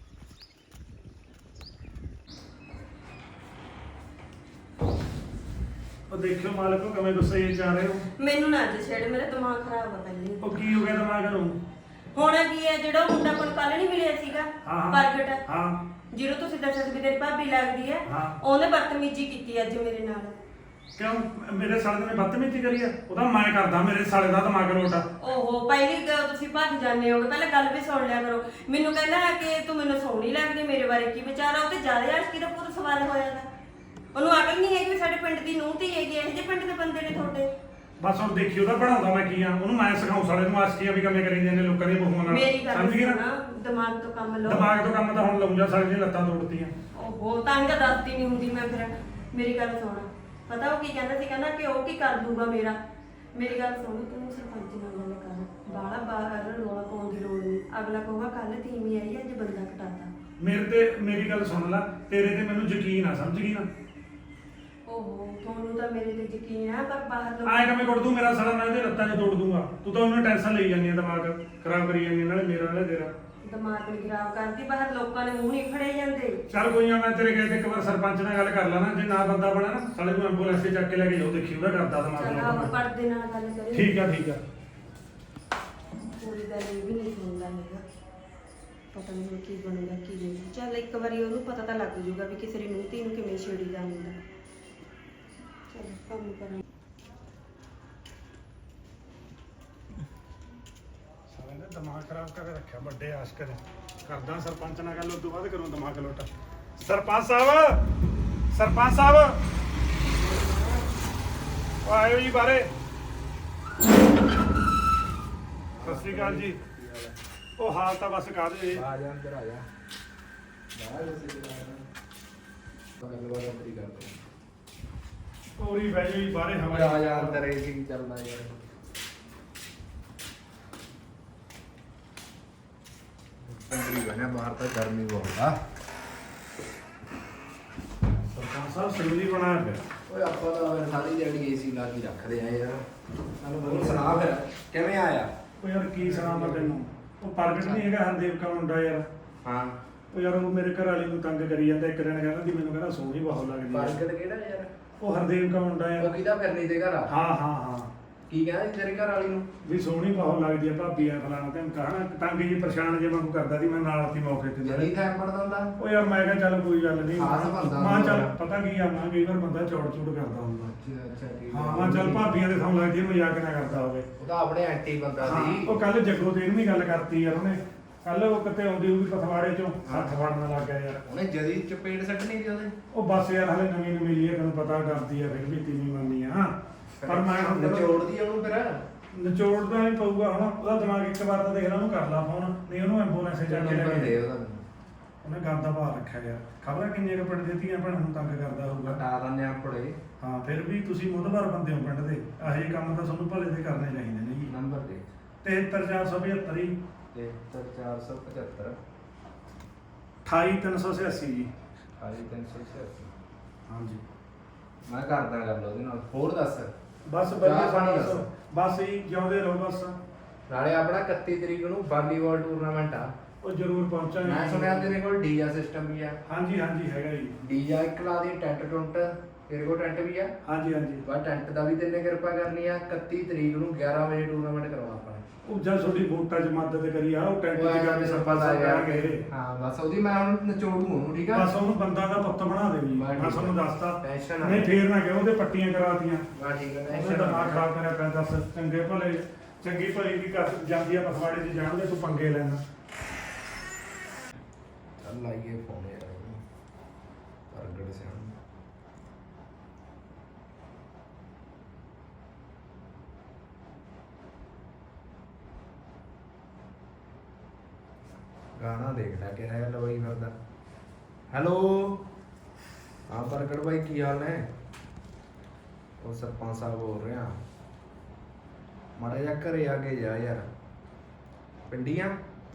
ਉਹ ਦੇਖਿਓ ਮਾਲਕੋ ਕਿਵੇਂ ਗੁੱਸੇ ਚ ਆ ਰਹੇ ਹੋ।
ਮੈਨੂੰ ਨਾ ਅੱਜ ਛੇੜ, ਮੇਰਾ ਦਿਮਾਗ ਖਰਾਬ ਆ ਪਹਿਲੇ।
ਉਹ ਕੀ ਹੋ ਗਿਆ ਦਿਮਾਗ ਨੂੰ?
ਹੋਣਾ ਕੀ ਹੈ, ਜਿਹੜਾ ਮੁੰਡਾ ਕੋਲ ਕੱਲ ਨਹੀਂ ਮਿਲਿਆ ਸੀਗਾ ਪ੍ਰਗਟ,
ਹਾਂ
ਜਿਹਨੂੰ ਤੁਸੀਂ ਦੱਸਿਆ ਸੀ ਵੀ ਤੇਰੀ ਭਾਬੀ ਲੱਗਦੀ ਹੈ,
ਹਾਂ।
ਉਹਨੇ ਬਦਤਮੀਜੀ ਕੀਤੀ ਅੱਜ ਮੇਰੇ ਨਾਲ।
ਕਿਉਂ ਮੇਰੇ ਸਾਲੇ ਨੇ ਬਦਤਮੀਜ਼ੀ ਕਰੀ ਆ? ਉਹਦਾ ਮੈਂ ਕਰਦਾ, ਮੇਰੇ ਸਾਲੇ ਦਾ ਦਿਮਾਗ ਲੋਟਾ।
ਓਹੋ ਪਹਿਲੀ ਗੱਲ ਤੁਸੀਂ ਭੱਜ ਜਾਂਦੇ ਹੋਗੇ, ਪਹਿਲਾਂ ਗੱਲ ਵੀ ਸੁਣ ਲਿਆ ਕਰੋ। ਮੈਨੂੰ ਕਹਿੰਦਾ ਕਿ ਤੂੰ ਮੈਨੂੰ ਸੋਹਣੀ ਲੱਗਦੀ, ਮੇਰੇ ਬਾਰੇ ਕੀ ਵਿਚਾਰਾ? ਉਹ ਤੇ ਜ਼ਿਆਦਾ ਆਸ਼ਕੀ ਦਾ ਪੂਰਾ ਸਵਾਲ ਹੋਇਆ ਦਾ। ਉਹਨੂੰ ਅਕਲ ਨਹੀਂ ਹੈਗੀ ਵੀ ਸਾਡੇ ਪਿੰਡ ਦੀ ਨੂੰਹ ਧੀ ਹੈਗੀ, ਇਹੋ ਜਿਹੇ ਪਿੰਡ ਦੇ ਬੰਦੇ ਨੇ ਤੁਹਾਡੇ।
ਬਸ ਹੁਣ ਦੇਖੀ ਉਹਦਾ ਬਣਾਉਂਦਾ ਮੈਂ ਕੀ ਆ, ਉਹਨੂੰ ਮੈਂ ਸਿਖਾਉਂ ਸਾਲੇ ਨੂੰ ਆਸ਼ਕੀਆਂ ਵੀ ਕਿਵੇਂ ਕਰੀ ਜਾਂਦੇ ਨੇ ਲੋਕਾਂ ਦੀਆਂ ਬਹੂਆਂ ਨਾਲ।
ਮੇਰੀ ਗੱਲ
ਸਮਝ ਗਈ ਨਾ?
ਸੁਣਾ, ਦਿਮਾਗ ਤੋਂ ਕੰਮ ਲਓ।
ਦਿਮਾਗ ਤੋਂ ਕੰਮ ਤਾਂ ਹੁਣ ਲਾਉਂਦਾ, ਸਾਲੇ ਦੀਆਂ ਲੱਤਾਂ ਤੋੜਤੀਆਂ।
ਓਹੋ ਤਾਂ ਹੀ ਤਾਂ ਦੱਸਦੀ ਨਹੀਂ ਹੁੰਦੀ ਮੈਂ ਫਿਰ। ਮੇਰੀ ਗੱਲ ਸੁਣ, ਪਤਾ ਉਹ ਕੀ ਕਹਿੰਦਾ ਸੀ? ਕਹਿੰਦਾ ਕਿ ਉਹ ਕੀ ਕਰ ਦੂਗਾ ਮੇਰਾ। ਮੇਰੀ ਗੱਲ ਸੁਣ, ਤੂੰ ਸਰਪੰਚ ਨਾਲ ਗੱਲ ਕਰ, ਬਾਹਲਾ ਬਾਹਰ ਰੌਲਾ ਪਾਉਣ ਦੀ ਲੋੜ ਨਹੀਂ। ਅਗਲਾ ਕਹੂਗਾ ਕੱਲ ਤੀਵੀਂ ਆਈ ਅੱਜ ਬੰਦਾ ਕਟਾਤਾ।
ਮੇਰੀ ਗੱਲ ਸੁਣ ਲੈ, ਤੇਰੇ ਤੇ ਮੈਨੂੰ ਯਕੀਨ ਆ, ਸਮਝ ਗਈ ਨਾ?
ਓਹੋ ਤੁਹਾਨੂੰ ਤਾਂ ਮੇਰੇ ਤੇ ਯਕੀਨ ਹੈ, ਪਰ ਬਾਹਰ ਲੋਕ
ਆਏ ਕਿਵੇਂ ਕੁੱਟ ਦੂੰ ਮੇਰਾ ਸਾਲਾ? ਮੈਂ ਇਹਦੇ ਲੱਤਾਂ 'ਚ ਤੋੜ ਦੂੰਗਾ। ਤੂੰ ਤਾਂ ਉਹਨੂੰ ਟੈਨਸ਼ਨ ਲਈ ਜਾਂਦੀ ਆ, ਦਿਮਾਗ ਖਰਾਬ ਕਰੀ ਜਾਂਦੀ ਆ, ਨਾਲੇ ਮੇਰਾ ਨਾਲੇ ਤੇਰਾ।
ਦਿਮਾਗ ਨੂੰ ਖਰਾਬ ਕਰਦੀ, ਬਾਹਰ ਲੋਕਾਂ ਨੇ ਮੂੰਹ ਨਹੀਂ ਫੜੇ ਜਾਂਦੇ।
ਚੱਲ ਕੋਈ ਨਾ, ਮੈਂ ਤੇਰੇ ਗਏ ਤੇ ਇੱਕ ਵਾਰ ਸਰਪੰਚ ਨਾਲ ਗੱਲ ਕਰ ਲੈਣਾ। ਜੇ ਨਾ ਬੰਦਾ ਬਣਾ ਨਾ, ਸਾਲੇ ਨੂੰ ਐਂਬੂਲੈਂਸ 'ਤੇ ਚੱਕ ਕੇ ਲੈ ਕੇ ਜਾਓ, ਦੇਖੀ ਉਹਦਾ ਕਰਦਾ ਦਿਮਾਗ
ਚੱਲ
ਲੋਟਾ।
ਆਪ ਪੜਦੇ ਨਾਲ ਗੱਲ ਕਰੇ।
ਠੀਕ ਆ ਠੀਕ ਆ।
ਪੂਰੀ ਗੱਲ ਇਹ ਵੀ ਨਹੀਂ ਸੁਣਦਾ ਹੈਗਾ। ਪਤਾ ਨਹੀਂ ਹੁਣ ਕੀ ਬਣੂਗਾ ਕੀ ਨਹੀਂ। ਚੱਲ ਇੱਕ ਵਾਰੀ ਉਹਨੂੰ ਪਤਾ ਤਾਂ ਲੱਗ ਜੂਗਾ ਵੀ ਕਿਸੇ ਦੀ ਨੂੰਹ ਧੀ ਨੂੰ ਕਿਵੇਂ ਛੇੜੀਦਾ ਹੁੰਦਾ। ਚੱਲ ਕੰਮ ਕਰਾਂ।
ਸਾਲੇ ਨੇ ਦਿਮਾਗ ਖਰਾਬ ਕਰਕੇ ਰੱਖਿਆ, ਵੱਡੇ ਆਸ਼ਕ ਨੇ। ਕਰਦਾ ਸਰਪੰਚ ਨਾਲ ਗੱਲ, ਉਸ ਤੋਂ ਬਾਅਦ ਕਰੂੰ ਦਿਮਾਗ ਲੋਟਾ। ਸਰਪੰਚ ਸਾਹਿਬ, ਸਰਪੰਚ ਸਾਹਿਬ ਉਹ ਆਇਓ ਜੀ ਬਾਰੇ। ਸਤਿ ਸ਼੍ਰੀ ਅਕਾਲ ਜੀ। ਉਹ ਹਾਲ ਤਾਂ ਬਸ ਕਰ ਦੇ।
ਆ ਜਾ ਅੰਦਰ ਆ ਜਾ। ਬਾਹਰ ਉਸੇ ਦੇ ਗੱਲਬਾਤ ਆਪਣੀ ਕਰਦੇ
ਪੂਰੀ ਬਹਿ ਜਾਓ ਜੀ ਬਾਹਰੇ ਹਵਾ।
ਆ ਜਾ ਅੰਦਰ ਏਸੀ ਚੱਲਦਾ ਯਾਰ। ਅੰਦਰ ਬਣਾ, ਬਾਹਰ ਤਾਂ ਗਰਮੀ ਬਹੁਤ ਆ।
ਸਰਪੰਚ ਸਾਹਿਬ ਸਿਵਲੀ ਬਣਾਇਆ ਪਿਆ।
ਓਏ ਆਪਾਂ ਤਾਂ ਸਾਰੀ ਦਿਹਾੜੀ ਏਸੀ ਲਾ ਕੇ ਰੱਖਦੇ ਆ ਯਾਰ। ਸਾਨੂੰ ਹੋਰ ਸੁਣਾ ਫਿਰ ਕਿਵੇਂ ਆਇਆ?
ਉਹ ਯਾਰ ਕੀ ਸੁਣਾਵਾਂ ਤੈਨੂੰ, ਉਹ ਪ੍ਰਗਟ ਨਹੀਂ ਹੈਗਾ ਹਰਦੇਵ ਕਾ ਮੁੰਡਾ ਯਾਰ।
ਹਾਂ
ਉਹ ਯਾਰ ਉਹ ਮੇਰੇ ਘਰ ਵਾਲੀ ਨੂੰ ਤੰਗ ਕਰੀ ਜਾਂਦਾ। ਇੱਕ ਦਿਨ ਕਹਿੰਦਾ ਸੀ ਮੈਨੂੰ, ਕਹਿੰਦਾ ਸੋਹਣੀ ਬਹੁਤ ਲੱਗਦੀ ਹੈ।
ਪ੍ਰਗਟ ਕਿਹੜਾ ਯਾਰ?
ਉਹ ਹਰਦੇਵ ਕਾ ਮੁੰਡਾ
ਉਹ
ਯਾਰ।
ਕਿਹਦਾ ਫਿਰਨੀ ਤੇ ਘਰ ਆ?
ਹਾਂ ਹਾਂ ਹਾਂ।
ਕੀ ਕਹਿੰਦਾ ਸੀ ਤੇਰੇ ਘਰ ਵਾਲੀ ਨੂੰ?
ਵੀ ਸੋਹਣੀ ਬਹੁਤ ਲੱਗਦੀ ਹੈ ਭਾਬੀ ਆ ਫਲਾਣਾ ਤੇ ਕਹਣਾ। ਤੰਗ ਜੀ ਪਰੇਸ਼ਾਨ ਜੇ ਮੈਨੂੰ ਕਰਦਾ ਸੀ, ਮੈਂ ਨਾਲ ਸੀ ਮੌਕੇ ਤੇ।
ਜਲੀ ਥੈਂ ਪੜਦਾ ਹੁੰਦਾ?
ਉਹ ਯਾਰ ਮੈਂ ਕਿਹਾ ਚੱਲ ਕੋਈ ਗੱਲ ਨਹੀਂ।
ਖਾਸ ਬੰਦਾ
ਮੈਂ ਚੱਲ
ਹੁੰਦਾ।
ਪਤਾ ਕੀ ਆ, ਮੈਂ ਕਈ ਵਾਰ ਬੰਦਾ ਚੌੜ ਚੂੜ ਕਰਦਾ ਹੁੰਦਾ।
ਅੱਛਾ ਠੀਕ
ਹਾਂ ਮੈਂ ਚੱਲ ਭਾਬੀਆਂ ਦੇ ਸਾਹਮਣੇ ਲੱਗਦੀ ਮਜ਼ਾਕ ਨਾ ਕਰਦਾ ਹੋਵੇ।
ਉਹ ਤਾਂ ਆਪਣੇ ਐਂਟੀ ਬੰਦਾ
ਹਾਂ
ਸੀ।
ਉਹ ਕੱਲ ਜੱਗੋ ਤੇ ਵੀ ਗੱਲ ਕਰਤੀ ਯਾਰ ਉਹਨੇ। ਕੱਲ ਉਹ ਕਿਤੇ ਆਉਂਦੀ ਹੋਊਗੀ ਪਥਵਾੜੇ ਚੋਂ, ਹੱਥ ਫੜਨ ਲੱਗ ਗਿਆ ਯਾਰ।
ਉਹਨੇ ਜਦੀ ਚਪੇੜ ਸੱਟਣੀ ਸੀ ਉਹਦੇ।
ਉਹ ਬਸ ਯਾਰ ਹਲੇ ਨਵੀਂ ਨਵੀਂ ਲਈ ਤੈਨੂੰ ਪਤਾ ਕਰਦੀ ਆ, ਫਿਰ ਵੀ ਤੀਵੀਂ ਮੰਨੀ ਆ। ਪਰ ਮੈਂ ਹੁਣ
ਨਿਚੋੜਦੀ ਉਹਨੂੰ ਫਿਰ।
ਨਿਚੋੜਦਾ ਨਹੀਂ ਪਊਗਾ ਹੁਣ। ਉਹਦਾ ਦਿਮਾਗ ਇੱਕ ਵਾਰ ਤਾਂ ਦੇਖ ਲਾ, ਉਹਨੂੰ ਕਰ ਲਾ ਫੋਨ, ਨਹੀਂ ਉਹਨੂੰ ਐਂਬੂਲੈਂਸ 'ਚ ਜਾ ਕੇ ਲੈ
ਨੰਬਰ ਦੇ
ਕੇ।
ਉਹਦਾ।
ਉਹਨੇ ਗੰਦਾ ਪਾ ਰੱਖਿਆ ਯਾਰ। ਖਬਰਾਂ ਕਿੰਨੀਆਂ ਕੁ ਪਿੰਡ ਦੀਆਂ ਭੈਣਾਂ ਨੂੰ ਤੰਗ ਕਰਦਾ ਹੋਊਗਾ।
ਹਟਾ ਦਿੰਦੇ ਆਪਣੇ।
ਹਾਂ ਫਿਰ ਵੀ ਤੁਸੀਂ ਮੁੱਦਵਾਰ ਬੰਦੇ ਹੋ ਪਿੰਡ ਦੇ। ਇਹੋ ਜਿਹੇ ਕੰਮ ਤਾਂ ਤੁਹਾਨੂੰ ਭਲੇ ਦੇ ਕਰਨੇ ਚਾਹੀਦੇ ਨੇ ਜੀ।
ਨੰਬਰ ਦੇ
73475 ਜੀ
73475
28386 ਜੀ।
28386। ਹਾਂਜੀ ਮੈਂ ਕਰਦਾ ਗੱਲ ਉਹਦੇ ਨਾਲ। ਹੋਰ ਦੱਸ।
ਬਸ
ਚਾਹ
ਵਧੀਆ
ਪਾਣੀ
ਬਸ
ਦੱਸ।
ਬਸ ਹੀ ਜਿਉਂਦੇ ਰਹੋ ਬਸ।
ਨਾਲੇ ਆਪਣਾ 31 ਤਰੀਕ ਨੂੰ ਵਾਲੀਬਾਲ ਟੂਰਨਾਮੈਂਟ ਆ।
ਉਹ ਜ਼ਰੂਰ ਪਹੁੰਚਾਂਗੇ।
ਮੈਂ ਸੁਣਿਆ ਤੇਰੇ ਕੋਲ ਡੀਜਾ ਸਿਸਟਮ ਵੀ ਆ।
ਹਾਂਜੀ ਹਾਂਜੀ ਹੈਗਾ ਜੀ।
ਡੀਜਾ ਇੱਕ ਲਾ ਦੀ, ਟੈਂਟ ਟੁੰਟ ਤੇਰੇ ਕੋਲ ਟੈਂਟ ਵੀ ਆ।
ਹਾਂਜੀ ਹਾਂਜੀ।
ਬਸ ਟੈਂਟ ਦਾ ਵੀ ਤੈਨੇ ਕਿਰਪਾ ਕਰਨੀ ਆ। 31 ਤਰੀਕ ਨੂੰ 11 ਵਜੇ ਟੂਰਨਾਮੈਂਟ ਕਰਵਾ ਆਪਾਂ ਨੇ।
ਉਹ ਜਦ ਤੁਹਾਡੀ ਵੋਟਾਂ 'ਚ ਮਦਦ ਕਰੀ ਆ ਉਹ ਟੈਂਟ ਦੀ ਗੱਲ ਸਰਪੰਚ ਸਾਹਿਬ ਕਰਾਂਗੇ।
ਹਾਂ ਬਸ ਉਹਦੀ ਮੈਂ ਹੁਣ ਨਿਚੋੜੂ ਉਹਨੂੰ, ਠੀਕ ਆ।
ਬਸ ਉਹਨੂੰ ਬੰਦਾ ਦਾ ਪੁੱਤ ਬਣਾ ਦੇ ਜੀ।
ਬਸ
ਮੈਂ ਤੁਹਾਨੂੰ ਦੱਸਤਾ।
ਟੈਨਸ਼ਨ ਨਾ
ਨਹੀਂ ਫੇਰ ਨਾ ਕਿਉਂ ਉਹਦੇ ਪੱਟੀਆਂ ਕਰਾਤੀਆਂ।
ਬਸ ਠੀਕ ਹੈ।
ਉਹਦਾ ਦਿਮਾਗ ਖਰਾਬ ਕਰਿਆ ਪਿਆ। ਦੱਸ ਚੰਗੇ ਭਲੇ ਚੰਗੀ ਭਲੀ ਵੀ ਕਰ ਜਾਂਦੀ ਆ ਪਖਵਾੜੇ 'ਚ ਜਾਣਦੇ ਤੂੰ ਪੰਗੇ ਲੈਣਾ।
ਚੱਲ ਲਾਈਏ ਫੋਨ ਯਾਰ ਉਹਨੂੰ। ਪ੍ਰਗਟ ਸਿੰਘ ਗਾਣਾ ਦੇਖਦਾ ਕਿ ਹੈ ਲਵਾਈ ਫਿਰਦਾ। ਹੈਲੋ ਹਾਂ ਪ੍ਰਗਟ ਭਾਈ ਕੀ ਹਾਲ ਨੇ? ਉਹ ਸਰਪੰਚ ਸਾਹਿਬ ਬੋਲ ਰਿਹਾ। ਮਾੜਾ ਜਿਹਾ ਘਰੇ ਆ ਕੇ ਜਾ ਯਾਰ। ਪਿੰਡੀਆਂ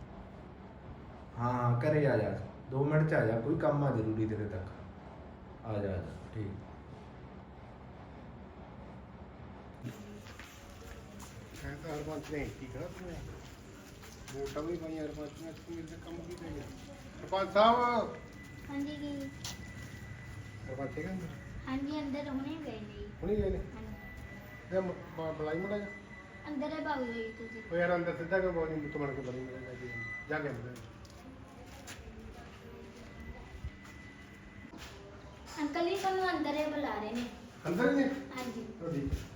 ਹਾਂ ਘਰੇ ਆ ਜਾ 2 ਮਿੰਟ ਚ ਆ ਜਾ, ਕੋਈ ਕੰਮ ਆ ਜ਼ਰੂਰੀ ਤੇਰੇ ਤੱਕ। ਆ ਜਾ ਠੀਕ।
ਕਹਿੰਦਾ ਸਰਪੰਚ ਨੇ ਕੀ ਕਰਾ ਤੂੰ ਵੋਟਾਂ ਵੀ ਪਾਈਆਂ ਸਰਪੰਚ ਨੇ, ਤੂੰ ਮੇਰੇ ਕੰਮ ਕੀ ਕਰਿਆ ਸਰਪੰਚ ਸਾਹਿਬ?
ਹਾਂਜੀ ਜੀ।
ਸਰਪੰਚ ਹੈਗਾ ਅੰਦਰ?
ਹਾਂਜੀ ਅੰਦਰ ਹੁਣੇ ਗਏ ਨੇ ਜੀ।
ਹੁਣੀ ਗਏ ਨੇ?
ਹਾਂਜੀ।
ਤੇ ਬੁਲਾਈ ਮੜਾ ਜਾ।
ਅੰਦਰ ਹੀ ਭਾਗ ਗਈ ਤੁਸੀਂ।
ਉਹ ਯਾਰ ਅੰਦਰ ਸਿੱਧਾ ਕਿ ਬੋਲੀ ਮੁੱਤ ਬਣ ਕੇ ਬਣੀ ਮੜਾ ਜਾ ਕੇ ਅੰਦਰ।
ਅੰਕਲ ਜੀ ਤੁਹਾਨੂੰ ਅੰਦਰ ਹੀ ਬੁਲਾ ਰਹੇ ਨੇ।
ਅੰਦਰ ਹੀ ਨੇ?
ਹਾਂਜੀ।
ਚਲੋ ਠੀਕ ਹੈ।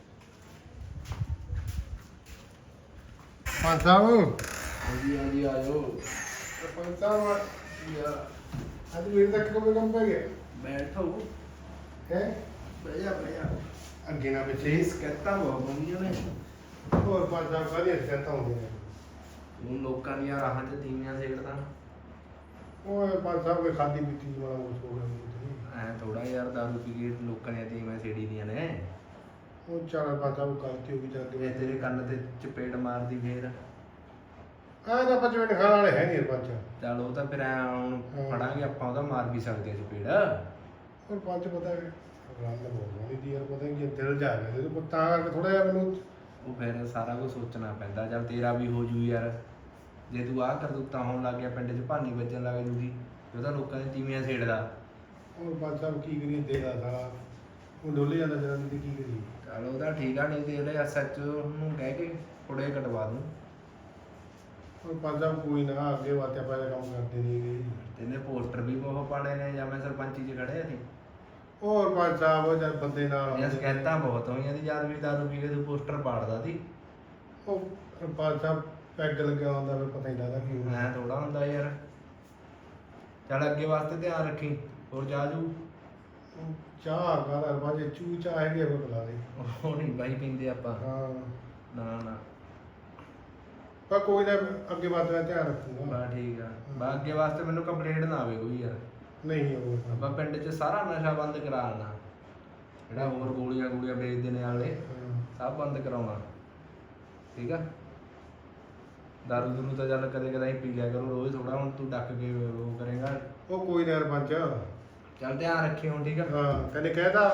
ਸਰਪੰਚ ਸਾਹਿਬ?
ਹਾਂਜੀ ਹਾਂਜੀ ਆ ਜਾਓ।
ਸਰਪੰਚ ਸਾਹਿਬ ਯਾਰ ਅੱਜ ਮੇਰੇ ਤੱਕ ਕੰਮ ਪੈ ਗਿਆ।
ਬੈਠੋ।
ਹੈ
ਬਹਿ ਜਾ ਬਹਿ ਜਾ।
ਅੱਗੇ ਨਾ ਪਿੱਛੇ
ਇਸ ਕਹਿਤਾ ਬਹੁਤ ਬੰਦੀਆਂ ਨੇ।
ਹੋਰ ਪੰਜ ਸਾਹਿਬ ਕਾਹਦੀਆਂ ਸਿੱਖਿਆਤਾਂ ਹੁੰਦੀਆਂ ਨੇ?
ਹੁਣ ਲੋਕਾਂ ਦੀਆਂ ਰਾਹਾਂ 'ਚ ਤੀਵੀਆਂ ਸੇੜਦਾ।
ਉਹ ਪੰਜ ਸਾਹਿਬ ਕੋਈ ਖਾਦੀ ਪੀਤੀ ਵਾਲਾ ਕੁਝ ਹੋ ਗਿਆ।
ਐ ਥੋੜਾ ਯਾਰ ਦਾਰੂ ਪੀ ਕੇ ਲੋਕਾਂ ਦੀਆਂ ਤੀਵੀਆਂ ਸੇੜੀ ਦੀਆਂ ਨੇ।
ਉਹ ਚਾਰ ਪੰਜ ਸਾਹਿਬ ਕਰਤੀ ਹੋਗੀ ਜਾ ਕੇ।
ਇਹ ਤੇਰੇ ਕੰਨ ਤੇ ਚਪੇੜ ਮਾਰਦੀ ਫੇਰ।
ਆਹ ਤਾਂ 5 ਮਿੰਟ ਖਾਣ ਵਾਲੇ ਹੈ ਨਹੀਂ ਪੰਜ।
ਚੱਲ ਉਹ ਤਾਂ ਫਿਰ ਐ ਹੁਣ ਫੜਾਂਗੇ ਆਪਾਂ, ਉਹਦਾ ਮਾਰ ਵੀ ਸਕਦੇ ਆ ਚਪੇੜ।
ਹੋਰ ਪੰਜ ਪਤਾ ਹੈ ਗੱਲ ਬੋਲਣੀ ਦੀ ਯਾਰ, ਪਤਾ ਕੀ ਦਿਲ ਜਾ ਰਿਹਾ ਤੇ ਤਾਂ ਕਰਕੇ ਥੋੜਾ ਜਿਹਾ ਮੈਨੂੰ
ਉਹ ਫਿਰ ਸਾਰਾ ਕੁਝ ਸੋਚਣਾ ਪੈਂਦਾ। ਚੱਲ ਤੇਰਾ ਵੀ ਹੋ ਜੂ ਯਾਰ। ਜੇ ਤੂੰ ਆਹ ਕਰਤੂਤਾਂ ਹੋਣ ਲੱਗ ਗਿਆ, ਪਿੰਡ 'ਚ ਭਾਨੀ ਵੱਜਣ ਲੱਗ ਜੂਗੀ, ਉਹਦਾ ਲੋਕਾਂ ਦੀਆਂ ਤੀਵੀਆਂ ਸੇੜਦਾ।
ਹੋਰ ਪੰਜ ਸਾਹਿਬ ਕੀ ਕਰੀਏ ਦੇਦਾ ਸਾਲਾ ਉਹ ਡੋਲੇ ਜਾਂਦਾ ਜਰਾ ਨਹੀਂ ਕੀ ਕਰੀਏ।
ਚੱਲ ਉਹਦਾ ਠੀਕ ਆ, ਨਹੀਂ ਤੇ ਇਹਦੇ SHO ਨੂੰ ਕਹਿ ਕੇ ਥੋੜੇ ਕਟਵਾ ਦੂੰ।
ਹੋਰ ਪੰਜ ਸਾਹਿਬ ਕੋਈ ਨਾ ਅੱਗੇ ਵਾਤੇ ਆਪਾਂ ਇਹ ਕੰਮ ਕਰਦੇ ਨਹੀਂ ਗਏ।
ਤੈਨੇ ਪੋਸਟਰ ਵੀ ਬਹੁਤ ਪਾਣੇ ਨੇ, ਜਾਂ ਮੈਂ ਸਰਪੰਚੀ 'ਚ ਖੜਿਆ ਸੀ।
ਹੋਰ ਪੰਜ ਸਾਹਿਬ ਜਦ ਬੰਦੇ ਨਾਲ
ਇਹ ਸ਼ਿਕਾਇਤਾਂ ਬਹੁਤ ਹੋਈਆਂ ਦੀ, ਜਦ ਵੀ ਦਾਰੂ ਪੀ ਕੇ ਤੂੰ ਪੋਸਟਰ ਪਾੜਦਾ ਸੀ।
ਉਹ ਪੰਜ ਸਾਹਿਬ ਪੈਗ ਲੱਗਿਆ ਹੁੰਦਾ ਫਿਰ ਪਤਾ ਹੀ ਲੱਗਦਾ ਕੀ ਹੁੰਦਾ।
ਐ ਥੋੜਾ ਹੁੰਦਾ ਯਾਰ। ਚੱਲ ਅੱਗੇ ਵਾਸਤੇ ਧਿਆਨ ਰੱਖੀ। ਹੋਰ ਜਾ ਜੂ
ਉਹ ਚਾਹ ਕਰ ਬਾਜੇ ਚੂ ਚਾਹ ਹੈਗੀ ਆ ਕੋਈ ਬੁਲਾ ਦੇ।
ਉਹ ਨਹੀਂ ਬਾਈ ਪੀਂਦੇ ਆਪਾਂ।
ਹਾਂ
ਨਾ ਨਾ
ਪਰ ਕੋਈ ਨਾ ਅੱਗੇ ਬਾਤ ਦਾ ਧਿਆਨ ਰੱਖੂਗਾ।
ਬਾ ਠੀਕ ਆ। ਬਾ ਅੱਗੇ ਵਾਸਤੇ ਮੈਨੂੰ ਕੰਪਲੇਂਟ ਨਾ ਆਵੇ ਕੋਈ ਯਾਰ।
ਨਹੀਂ ਉਹ
ਆਪਾਂ ਪਿੰਡ 'ਚ ਸਾਰਾ ਨਸ਼ਾ ਬੰਦ ਕਰਾਉਣਾ। ਜਿਹੜਾ ਹੋਰ ਗੋਲੀਆਂ ਵੇਚਦੇ ਨੇ ਵਾਲੇ ਸਭ ਬੰਦ ਕਰਾਉਣਾ। ਠੀਕ ਆ। ਦਾਰੂ ਦੂਰੂ ਤਾਂ ਚੱਲ ਕਦੇ ਕਦਾਈ ਪੀ ਲਿਆ ਕਰੋ, ਰੋਜ਼ ਥੋੜਾ। ਹੁਣ ਤੂੰ ਡੱਕ ਕੇ ਉਹ ਕਰੇਗਾ।
ਉਹ ਕੋਈ ਨਾ ਪੰਜ।
ਚੱਲ ਧਿਆਨ ਰੱਖੀ ਹੁਣ, ਠੀਕ ਆ।
ਹਾਂ ਕਹਿੰਦੇ ਕਹਿਦਾ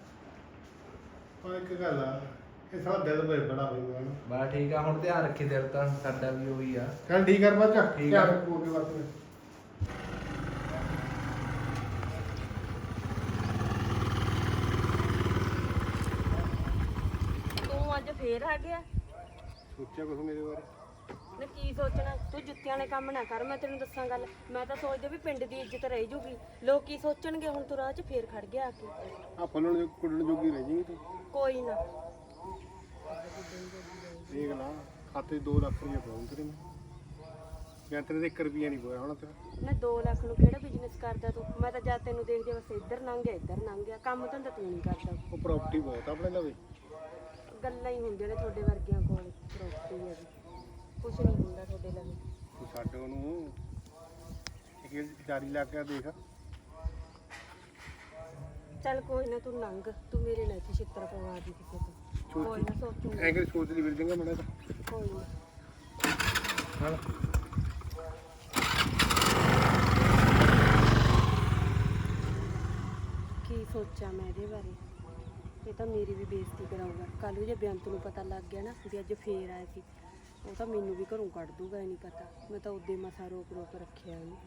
ਪਰ ਇੱਕ ਗੱਲ ਆ, ਇਹ ਸਾਡਾ ਦਿਲ ਬੜਾ ਹੋਇਆ ਨਾ।
ਬਾ ਠੀਕ ਆ, ਹੁਣ ਧਿਆਨ ਰੱਖੀ। ਦਿਲ ਤਾਂ ਸਾਡਾ ਵੀ ਉਹੀ ਆ।
ਚੱਲ ਠੀਕ ਕਰ ਬੱਚਾ
ਠੀਕ ਆ।
ਧਿਆਨ ਰੱਖੋ ਅੱਗੇ ਵਾਸਤੇ।
ਤੂੰ ਅੱਜ ਫੇਰ ਆ ਗਿਆ।
ਸੋਚਿਆ ਕੁਛ ਮੇਰੇ ਬਾਰੇ?
ਨਾ ਕੀ ਸੋਚਣਾ, ਤੂੰ ਜੁੱਤੀਆਂ ਵਾਲੇ ਕੰਮ ਨਾ ਕਰ। ਮੈਂ ਤੈਨੂੰ ਦੱਸਾਂ ਗੱਲ, ਮੈਂ ਤਾਂ ਸੋਚਦੀ ਵੀ ਪਿੰਡ ਦੀ ਇੱਜ਼ਤ ਰਹਿ ਜੂਗੀ। ਲੋਕ ਕੀ ਸੋਚਣਗੇ ਹੁਣ ਤੂੰ ਰਾਹ 'ਚ ਫੇਰ ਖੜ ਗਿਆ ਆ ਕੇ।
ਆ ਫੁੱਲਣ ਜੋ ਕੁੱਟਣ ਜੋਗੀ ਰਹਿ ਜਾਏਗੀ ਤੂੰ।
ਕੋਈ ਨਾ,
ਦੇਖ ਲਾ ਖਾਤੇ 2 ਲੱਖ ਰੁਪਏ ਪਾਉਂ ਤੇਰੇ ਮੈਂ ਤੇਰੇ ਤੇ 1 ਰੁਪਿਆ ਨਹੀਂ ਪਾਇਆ ਹੋਣਾ ਤੇਰਾ।
ਨਾ 2 ਲੱਖ ਨੂੰ ਕਿਹੜਾ ਬਿਜ਼ਨਸ ਕਰਦਾ ਤੂੰ? ਮੈਂ ਤਾਂ ਜਦ ਤੈਨੂੰ ਦੇਖਦੀ ਬਸ ਇੱਧਰ ਲੰਘ ਗਿਆ ਕੰਮ ਧੰਦਾ ਤੂੰ ਨਹੀਂ ਕਰਦਾ।
ਉਹ ਪ੍ਰਾਪਰਟੀ ਬਹੁਤ ਆ ਆਪਣੇ ਲਵੇ।
ਗੱਲਾਂ ਹੀ ਹੁੰਦੀਆਂ ਨੇ ਤੁਹਾਡੇ ਵਰਗਿਆਂ ਕੋਲ। ਪ੍ਰੋਪਰਟੀ ਹੈ ਜੀ, ਕੁਛ ਨਹੀਂ ਹੁੰਦਾ ਤੁਹਾਡੇ ਲਵੇ।
ਤੂੰ ਛੱਡ ਉਹਨੂੰ, ਇੱਕ ਜਾਰੀ ਲਾ ਕੇ ਦੇਖ।
ਚੱਲ ਕੋਈ ਨਾ, ਤੂੰ ਲੰਘ। ਤੂੰ ਮੇਰੇ ਨਾਲ ਇੱਥੇ ਛਿੱਤਰ ਪਵਾ ਦੀ ਕਿਸੇ ਤੋਂ। ਕੋਈ ਨਾ ਸੋਚੂਗੀ।
ਐਂ ਕਿ ਸੋਚ ਲਈ ਫਿਰ ਜਾਂਗਾ ਮੜਾ ਤਾਂ।
ਕੋਈ ਨਾ।
ਹਾਂ
ਕੀ ਕੀ ਸੋਚਾਂ ਮੈਂ ਇਹਦੇ ਬਾਰੇ। ਇਹ ਤਾਂ ਮੇਰੀ ਵੀ ਬੇਇੱਜ਼ਤੀ ਕਰਾਊਗਾ ਕੱਲ ਨੂੰ। ਜੇ ਬੇਅੰਤ ਨੂੰ ਪਤਾ ਲੱਗ ਗਿਆ ਨਾ ਵੀ ਅੱਜ ਫੇਰ ਆਇਆ ਸੀ, ਉਹ ਤਾਂ ਮੈਨੂੰ ਵੀ ਘਰੋਂ ਕੱਢ ਦੂਗਾ। ਇਹ ਨਹੀਂ ਪਤਾ, ਮੈਂ ਤਾਂ ਉਦੇ ਮਸਾ ਰੋਕ ਰੋਕ ਰੱਖਿਆ ਉਹਨੂੰ।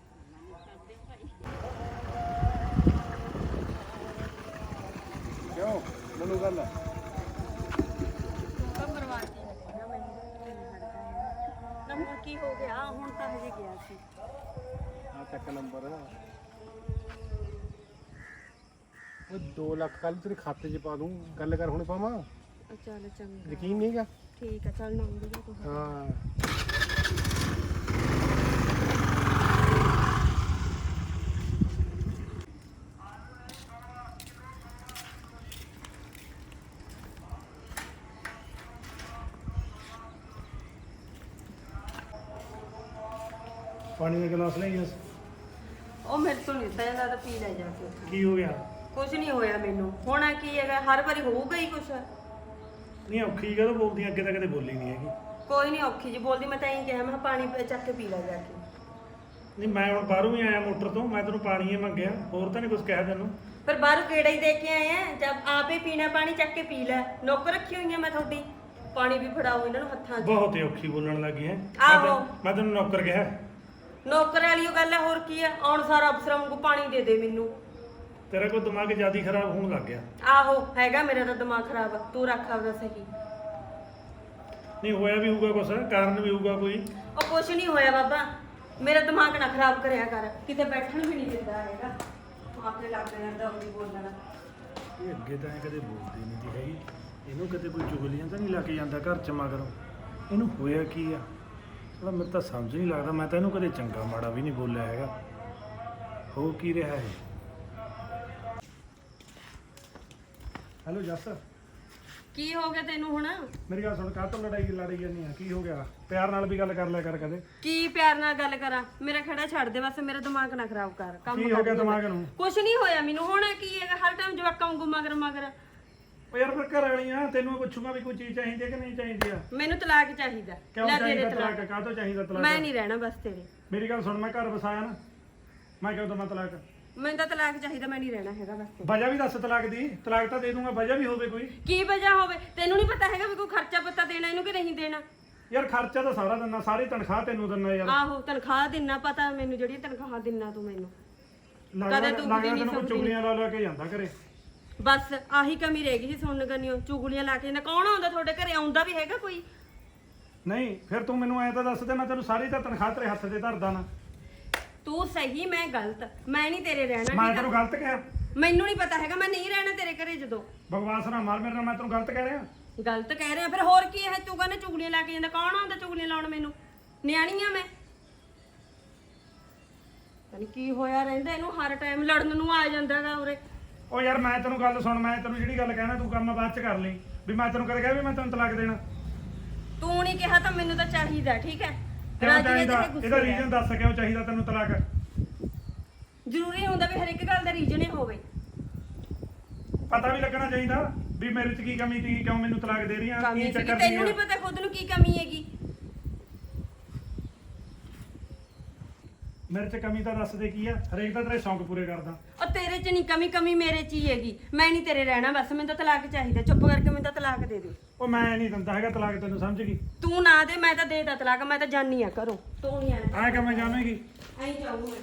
ਕਿਉਂ ਮੈਨੂੰ ਗੱਲ
ਨਾ ਹੁਣ ਕੀ ਹੋ ਗਿਆ? ਹੁਣ ਤਾਂ ਹਜੇ ਗਿਆ ਸੀ।
ਆ ਚੱਕ ਨੰਬਰ ਉਹ 2 ਲੱਖ ਕੱਲ ਤੇਰੇ ਖਾਤੇ 'ਚ ਪਾ ਦੂੰ। ਗੱਲ ਕਰ ਹੁਣ ਪਾਵਾਂ?
ਚੱਲ ਚੰਗਾ,
ਯਕੀਨ ਨਹੀਂਗਾ?
ਠੀਕ ਆ, ਚੱਲ ਨੰਬਰ ਤੂੰ।
ਹਾਂ ਪਾਣੀ ਦਾ ਗਲਾਸ ਲੈ ਆਈਆਂ।
ਉਹ ਮੇਰੇ ਤੋਂ ਨਹੀਂ ਸਹਿ ਤਾਂ ਪੀ ਲੈ ਜਾ ਕੇ।
ਕੀ ਹੋ ਗਿਆ?
ਕੁਝ ਨਹੀਂ ਹੋਇਆ ਮੈਨੂੰ। ਹੋਣਾ ਕੀ ਹੈਗਾ, ਹਰ ਵਾਰੀ ਹੋਊਗਾ ਹੀ ਕੁਛ।
ਨਹੀਂ ਔਖੀ ਕਦੋਂ ਬੋਲਦੀ? ਅੱਗੇ ਤਾਂ ਕਦੇ ਬੋਲੀ ਨਹੀਂ ਹੈਗੀ।
ਕੋਈ ਨਹੀਂ ਔਖੀ ਜੀ ਬੋਲਦੀ, ਮੈਂ ਤਾਂ ਇਹੀ ਕਿਹਾ ਮੈਂ ਕਿਹਾ ਪਾਣੀ ਚੱਕ ਕੇ ਪੀ ਲੈ ਜਾ ਕੇ।
ਨਹੀਂ ਮੈਂ ਹੁਣ ਬਾਹਰੋਂ ਹੀ ਆਇਆ ਮੋਟਰ ਤੋਂ, ਮੈਂ ਤੈਨੂੰ ਪਾਣੀ ਹੀ ਮੰਗਿਆ, ਹੋਰ ਤਾਂ ਨਹੀਂ ਕੁਝ ਕਿਹਾ ਤੈਨੂੰ।
ਪਰ ਬਾਹਰੋਂ ਕਿਹੜਾ ਹੀ ਦੇ ਕੇ ਆਏ ਆ, ਜਦ ਆਪੇ ਪੀਣਾ ਪਾਣੀ ਚੱਕ ਕੇ ਪੀ ਲੈ। ਨੌਕਰ ਰੱਖੀ ਹੋਈ ਆ ਮੈਂ ਤੁਹਾਡੀ, ਪਾਣੀ ਵੀ ਫੜਾਓ ਇਹਨਾਂ ਨੂੰ ਹੱਥਾਂ 'ਚ।
ਬਹੁਤ ਹੀ ਔਖੀ ਬੋਲਣ ਲੱਗੀ ਹੈ।
ਆਹੋ।
ਮੈਂ ਤੈਨੂੰ ਨੌਕਰ ਕਿਹਾ?
ਨੌਕਰ ਵਾਲੀ ਉਹ ਗੱਲ ਹੈ, ਹੋਰ ਕੀ ਆ। ਆਉਣ ਸਾਰਾ ਅਫਸਰਾਂ ਵਾਂਗੂ ਪਾਣੀ ਦੇ ਦੇ ਮੈਨੂੰ।
ਤੇਰਾ ਕੋਈ ਦਿਮਾਗ ਜਿਆਦਾ ਖਰਾਬ ਹੋਣ ਲੱਗ ਗਿਆ।
ਆਹੋ ਹੈਗਾ, ਮੇਰਾ ਤਾਂ ਦਿਮਾਗ ਖਰਾਬ ਆ। ਤੂੰ ਰੱਖ ਆਪਦਾ ਸਹੀ।
ਨਹੀਂ ਹੋਇਆ ਵੀ ਹੋਊਗਾ ਕੁਛ, ਕਾਰਨ ਵੀ ਹੋਊਗਾ ਕੋਈ।
ਉਹ ਕੁਛ ਨਹੀਂ ਹੋਇਆ ਬਾਬਾ, ਮੇਰਾ ਦਿਮਾਗ ਨਾ ਖਰਾਬ ਕਰਿਆ ਕਰ। ਕਿਤੇ ਬੈਠਣ ਵੀ ਨਹੀਂ ਦਿੰਦਾ ਹੈਗਾ, ਆਪੇ ਲੱਗ ਜਾਂਦਾ ਉਹਦੀ ਬੋਲਣਾ।
ਇਹ ਅੱਗੇ ਤਾਂ ਐਂ ਕਦੇ ਬੋਲਦੀ ਨਹੀਂ ਦੀ ਹੈਗੀ। ਇਹਨੂੰ ਕਿਤੇ ਕੋਈ ਚੁਗਲੀਆਂ ਤਾਂ ਨਹੀਂ ਲਾ ਕੇ ਜਾਂਦਾ ਘਰ ਚ ਮਗਰੋਂ? ਇਹਨੂੰ ਹੋਇਆ ਕੀ ਆ? ਥੋੜਾ ਮੈਨੂੰ ਤਾਂ ਸਮਝ ਨਹੀਂ ਲੱਗਦਾ। ਮੈਂ ਤਾਂ ਇਹਨੂੰ ਕਦੇ ਚੰਗਾ ਮਾੜਾ ਵੀ ਨਹੀਂ ਬੋਲਿਆ ਹੈਗਾ। ਹੋ ਕੀ ਰਿਹਾ ਹੈ? ਹੈਲੋ ਜੱਸ,
ਕੀ ਹੋ ਗਿਆ ਤੈਨੂੰ ਹੁਣ?
ਮੇਰੀ ਗੱਲ ਸੁਣ, ਕਾਹ ਤੋਂ ਲੜੀ ਜਾਂਦੀ ਆ? ਕੀ ਹੋ ਗਿਆ? ਪਿਆਰ ਨਾਲ ਵੀ ਗੱਲ ਕਰ ਲਿਆ ਕਰ ਕਦੇ।
ਕੀ ਪਿਆਰ ਨਾਲ ਗੱਲ ਕਰਾਂ? ਮੇਰਾ ਖੜਾ ਛੱਡ ਦੇ ਬਸ, ਮੇਰਾ ਦਿਮਾਗ ਨਾ ਖਰਾਬ ਕਰ।
ਕੀ ਹੋ ਗਿਆ ਦਿਮਾਗ ਨੂੰ?
ਕੁਛ ਨਹੀਂ ਹੋਇਆ ਮੈਨੂੰ। ਹੋਣਾ ਕੀ ਹੈਗਾ, ਹਰ ਟਾਈਮ ਜਵਾਕਾਂ ਵਾਂਗੂ ਮਗਰ ਮਗਰ।
ਉਹ ਯਾਰ ਫਿਰ ਘਰ ਵਾਲੀ ਆ, ਤੈਨੂੰ ਮੈਂ ਪੁੱਛੂਗਾ ਵੀ ਕੋਈ ਚੀਜ਼ ਚਾਹੀਦੀ ਹੈ ਕਿ ਨਹੀਂ ਚਾਹੀਦੀ ਆ?
ਮੈਨੂੰ ਤਲਾਕ ਚਾਹੀਦਾ।
ਕਿਉਂ
ਲੈ ਦੇ
ਚਾਹੀਦਾ
ਦੇ
ਤਲਾਕ? ਕਾਹ ਤੋਂ ਚਾਹੀਦਾ ਤਲਾਕ?
ਮੈਂ ਨਹੀਂ ਰਹਿਣਾ ਬਸ ਤੇਰੇ।
ਮੇਰੀ ਗੱਲ ਸੁਣ, ਮੈਂ ਘਰ ਵਸਾਇਆ ਨਾ, ਮੈਂ ਕਿਉਂ ਦਵਾਂ ਤਲਾਕ?
ਮੈਨੂੰ ਤਾਂ ਤਲਾਕ ਚਾਹੀਦਾ, ਮੈਂ ਨਹੀਂ ਰਹਿਣਾ ਹੈਗਾ ਬਸ।
ਵਜ੍ਹਾ ਵੀ ਦੱਸ ਤਲਾਕ ਦੀ। ਤਲਾਕ ਤਾਂ ਦੇ ਦੂੰਗਾ, ਵਜ੍ਹਾ ਵੀ ਹੋਵੇ ਕੋਈ।
ਕੀ ਵਜ੍ਹਾ ਹੋਵੇ? ਤੈਨੂੰ ਨਹੀਂ ਪਤਾ ਹੈਗਾ ਵੀ ਕੋਈ ਖਰਚਾ ਪੱਤਾ ਦੇਣਾ ਇਹਨੂੰ ਕਿ ਨਹੀਂ ਦੇਣਾ?
ਯਾਰ ਖਰਚਾ ਤਾਂ ਸਾਰਾ ਦਿੰਦਾ, ਸਾਰੀ ਤਨਖਾਹ ਤੈਨੂੰ ਦਿੰਦਾ ਯਾਰ।
ਆਹੋ ਤਨਖਾਹ ਦਿਨਾ ਪਤਾ ਮੈਨੂੰ, ਜਿਹੜੀ ਤਨਖਾਹ ਦਿਨਾ ਤੂੰ ਮੈਨੂੰ।
ਲੱਗਦਾ
ਕਦੇ ਤੂੰ ਵੀ ਨਹੀਂ
ਤੈਨੂੰ ਕੋਈ
ਸਮਝੀ।
ਚੁਗਲੀਆਂ ਲਾ ਕੇ ਜਾਂਦਾ ਘਰੇ।
ਬਸ ਆਹੀ ਕਮੀ ਰਹਿ ਗਈ ਸੀ ਸੁਣਨ ਗੰਨਿਓ, ਚੁਗਲੀਆਂ ਲਾ ਕੇ। ਨਾ ਕੌਣ ਆਉਂਦਾ ਤੁਹਾਡੇ ਘਰੇ? ਆਉਂਦਾ ਵੀ ਹੈਗਾ ਕੋਈ?
ਨਹੀਂ ਫਿਰ ਤੂੰ ਮੈਨੂੰ ਐਂ ਤਾਂ ਦੱਸ ਦੇ, ਮੈਂ ਤੈਨੂੰ ਸਾਰੀ ਤਾਂ ਤਨਖਾਹ ਤੇਰੇ ਹੱਥ ਤੇ ਧਰਦਾ ਨਾ।
ਤੂੰ ਸਹੀ, ਮੈਂ ਗਲਤ। ਮੈਂ ਨਹੀਂ ਤੇਰੇ ਰਹਿਣਾ।
ਮੈਂ
ਠੀਕ
ਤੈਨੂੰ
ਆ?
ਗਲਤ ਕਿਹਾ?
ਮੈਨੂੰ ਨਹੀਂ ਪਤਾ ਹੈਗਾ, ਮੈਂ ਨਹੀਂ ਰਹਿਣਾ ਤੇਰੇ ਘਰੇ। ਜਦੋਂ
ਬਕਵਾਸ ਨਾ ਮਾਰ ਮੇਰੇ ਨਾਲ, ਮੈਂ ਤੈਨੂੰ ਗਲਤ ਕਹਿ ਰਿਹਾ?
ਗਲਤ ਕਹਿ ਰਿਹਾ ਫਿਰ ਹੋਰ ਕੀ ਹੈ? ਤੂੰ ਕਹਿੰਦਾ ਚੁਗਲੀਆਂ ਲਾ ਕੇ ਜਾਂਦਾ। ਕੌਣ ਆਉਂਦਾ ਚੁਗਲੀਆਂ ਲਾਉਣ ਮੈਨੂੰ? ਨਿਆਣੀ ਆ ਮੈਂ? ਤੈਨੂੰ ਕੀ ਹੋਇਆ ਰਹਿੰਦਾ ਇਹਨੂੰ? ਹਰ ਟਾਈਮ ਲੜਨ ਨੂੰ ਆ ਜਾਂਦਾਗਾ ਉਰੇ।
ਉਹ ਯਾਰ ਮੈਂ ਤੈਨੂੰ ਗੱਲ ਸੁਣ, ਮੈਂ ਤੈਨੂੰ ਜਿਹੜੀ ਗੱਲ ਕਹਿਣਾ ਤੂੰ ਕੰਮ ਬਾਅਦ ਚ ਕਰ ਲਈ। ਵੀ ਮੈਂ ਤੈਨੂੰ ਕਦੇ ਕਿਹਾ ਵੀ ਮੈਂ ਤੈਨੂੰ ਤਲਾਕ ਦੇਣਾ?
ਤੂੰ ਨਹੀਂ ਕਿਹਾ ਤਾਂ ਮੈਨੂੰ ਤਾਂ ਚਾਹੀਦਾ। ਠੀਕ ਹੈ,
ਕਿਉਂ
ਰਾਜੀ ਨੇ
ਚਾਹੀਦਾ?
ਤੇ ਗੁੱਸੇ
ਇਹਦਾ
ਰਹਿ।
ਰੀਜ਼ਨ ਦੱਸ ਕਿਉਂ ਚਾਹੀਦਾ ਤੈਨੂੰ ਤਲਾਕ?
ਜ਼ਰੂਰੀ ਹੁੰਦਾ ਵੀ ਹਰ ਇੱਕ ਗੱਲ ਦਾ ਰੀਜ਼ਨ ਹੀ ਹੋਵੇ।
ਪਤਾ ਵੀ ਲੱਗਣਾ ਚਾਹੀਦਾ ਵੀ ਮੇਰੇ ਚ ਕੀ ਕਮੀ ਸੀ, ਕਿਉਂ ਮੈਨੂੰ ਤਲਾਕ ਦੇ ਰਹੀ ਆ,
ਕਮੀ
ਕੀ
ਸੀ,
ਚੱਕਰ
ਤੈਨੂੰ
ਸੀ?
ਨਹੀਂ ਪਤਾ ਖੁਦ ਨੂੰ ਕੀ ਕਮੀ ਹੈਗੀ?
ਮੇਰੇ ਚ ਕਮੀ ਤਾਂ ਦੱਸ ਦੇ ਕੀ ਆ? ਹਰੇਕ ਤਾਂ ਤੇਰੇ ਸ਼ੌਂਕ ਪੂਰੇ ਕਰਦਾ।
ਉਹ ਤੇਰੇ ਚ ਨਹੀਂ ਕਮੀ, ਕਮੀ ਮੇਰੇ ਚ ਹੀ ਹੈਗੀ। ਮੈਂ ਨਹੀਂ ਤੇਰੇ ਰਹਿਣਾ ਬਸ, ਮੈਨੂੰ ਤਾਂ ਤਲਾਕ ਚਾਹੀਦਾ। ਚੁੱਪ ਕਰਕੇ ਮੈਨੂੰ ਤਾਂ ਤਲਾਕ ਦੇ ਦੇ।
ਉਹ ਮੈਂ ਨਹੀਂ ਦਿੰਦਾ ਹੈਗਾ ਤਲਾਕ, ਤੈਨੂੰ ਸਮਝ ਗਈ?
ਤੂੰ ਨਾ ਦੇ, ਮੈਂ ਤਾਂ ਦੇਤਾ ਤਲਾਕ। ਮੈਂ ਤਾਂ ਜਾਨੀ ਆ ਘਰੋਂ। ਤੂੰ ਨਹੀਂ ਆਣਾ।
ਐਂ ਕਿਵੇਂ ਜਾਵੇਂਗੀ?
ਐਂ ਜਾਊਂ ਮੈਂ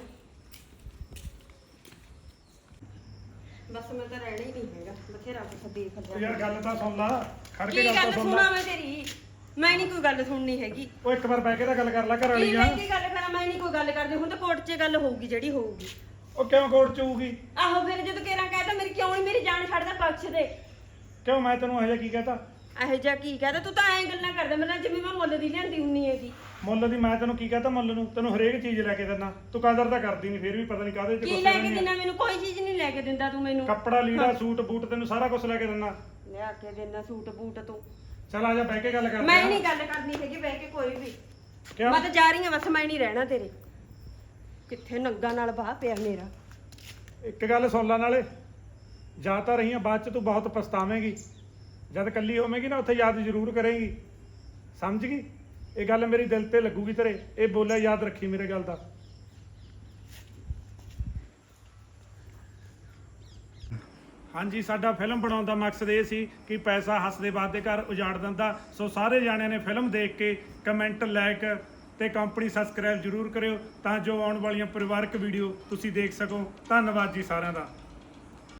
ਬਸ। ਮੈਂ ਤਾਂ ਰਹਿਣਾ ਹੀ ਨਹੀਂ ਹੈਗਾ। ਬਥੇਰਾ ਕੁਛ ਦੇਖ
ਉਹ
ਲਿਆ।
ਯਾਰ ਗੱਲ ਤਾਂ ਸੁਣ ਲਾ, ਖੜ ਕੇ
ਕੀ
ਗੱਲ
ਗੱਲ
ਤਾਂ ਸੁਣ
ਸੁਣਾ
ਲਾ।
ਮੈਂ ਤੇਰੀ? ਮੈਂ ਨਹੀਂ ਕੋਈ ਗੱਲ ਸੁਣਨੀ ਹੈਗੀ।
ਉਹ ਇੱਕ ਵਾਰ ਬਹਿ ਕੇ ਤਾਂ ਗੱਲ ਕਰ ਲੈ ਘਰ
ਕੀ
ਵਾਲੀ ਆ।
ਮੈਂ ਕੀ ਗੱਲ ਕਰਾਂ? ਮੈਂ ਨਹੀਂ ਕੋਈ ਗੱਲ ਕਰਦੀ। ਹੁਣ ਤਾਂ ਕੋਰਟ 'ਚ ਗੱਲ ਹੋਊਗੀ ਜਿਹੜੀ ਹੋਊਗੀ।
ਉਹ ਕਿਉਂ ਕੋਰਟ ਚ ਹੋਊਗੀ?
ਆਹੋ ਫਿਰ ਜਦੋਂ ਕੇਰਾਂ ਕਹਿਤਾ ਮੇਰੀ ਕਿਉਂ ਨਹੀਂ ਮੇਰੀ ਜਾਨ ਛੱਡਦਾ? ਬਖਸ਼ ਦੇ।
ਕਿਉਂ ਮੈਂ ਤੈਨੂੰ ਇਹੋ ਜਿਹਾ ਕੀ ਕਹਤਾ?
ਇਹੋ ਜਿਹਾ ਕੀ ਕਹਦਾ? ਤੂੰ ਤਾਂ ਐਂ ਗੱਲਾਂ ਕਰਦਾ ਮੇਰੇ ਨਾਲ ਜਿਵੇਂ ਮੈਂ ਮੁੱਲ ਦੀ ਲਿਆਂਦੀ ਹੁੰਨੀ ਹੈਗੀ।
ਮੁੱਲ ਦੀ ਮੈਂ ਤੈਨੂੰ ਕੀ ਕਹਤਾ? ਮੁੱਲ ਨੂੰ ਤੈਨੂੰ ਹਰੇਕ ਚੀਜ਼ ਲੈ ਕੇ ਦਿੰਦਾ, ਤੂੰ ਕਦਰ ਤਾਂ ਕਰਦੀ ਨਹੀਂ, ਫਿਰ ਵੀ ਪਤਾ ਨਹੀਂ ਕਾਹਦੇ ਚ
ਕੀ
ਗੁੱਸੇ
ਲੈ ਕੇ
ਰਹਿੰਦੀ ਆ।
ਦਿੰਦਾ ਮੈਨੂੰ? ਕੋਈ ਚੀਜ਼ ਨਹੀਂ ਲੈ ਕੇ ਦਿੰਦਾ ਤੂੰ ਮੈਨੂੰ।
ਕੱਪੜਾ ਲੀੜਾ ਸੂਟ ਬੂਟ ਤੈਨੂੰ ਸਾਰਾ ਕੁਝ ਲੈ ਕੇ ਦਿੰਦਾ।
ਲਿਆ ਕੇ ਦੇਣਾ ਸੂਟ ਬੂਟ ਤੂੰ।
ਚੱਲ ਆ ਜਾ ਬਹਿ ਕੇ ਗੱਲ ਕਰਦੇ
ਮੈਂ
ਆ।
ਨਹੀਂ ਗੱਲ ਕਰਨੀ ਹੈਗੀ ਬਹਿ ਕੇ ਕੋਈ ਵੀ।
ਕਿਉਂ?
ਮੈਂ ਤਾਂ ਜਾ ਰਹੀ ਹਾਂ ਬਸ, ਮੈਂ ਨਹੀਂ ਰਹਿਣਾ ਤੇਰੇ। ਕਿੱਥੇ ਨੰਗਾ ਨਾਲ ਬਾਹ ਪਿਆ ਮੇਰਾ।
ਇੱਕ ਗੱਲ ਸੁਣ ਲੈ ਨਾਲੇ, ਜਾ ਤਾਂ ਰਹੀ ਆ, ਬਾਅਦ ਚ ਤੂੰ ਬਹੁਤ ਪਛਤਾਵੇਂਗੀ। ਜਦ ਇਕੱਲੀ ਹੋਵੇਂਗੀ ਨਾ ਉੱਥੇ ਯਾਦ ਜ਼ਰੂਰ ਕਰੇਂਗੀ, ਸਮਝ ਗਈ? ਇਹ ਗੱਲ ਮੇਰੀ ਦਿਲ ਤੇ ਲੱਗੂਗੀ ਤੇਰੇ। ਇਹ ਬੋਲਿਆ ਯਾਦ ਰੱਖੀ ਮੇਰੇ ਗੱਲ ਦਾ। ਹਾਂਜੀ, ਸਾਡਾ ਫਿਲਮ ਬਣਾਉਣ ਦਾ ਮਕਸਦ ਇਹ ਸੀ ਕਿ ਪੈਸਾ ਹੱਸਦੇ ਵੱਸਦੇ ਘਰ ਉਜਾੜ ਦਿੰਦਾ। ਸੋ ਸਾਰੇ ਜਾਣਿਆਂ ਨੇ ਫਿਲਮ ਦੇਖ ਕੇ ਕਮੈਂਟ, ਲਾਈਕ ਤੇ ਕੰਪਨੀ ਸਬਸਕ੍ਰਾਈਬ ਜ਼ਰੂਰ ਕਰਿਓ ਤਾਂ ਜੋ ਆਉਣ ਵਾਲੀਆਂ ਪਰਿਵਾਰਕ ਵੀਡੀਓ ਤੁਸੀਂ ਦੇਖ ਸਕੋ। ਧੰਨਵਾਦ ਜੀ ਸਾਰਿਆਂ ਦਾ।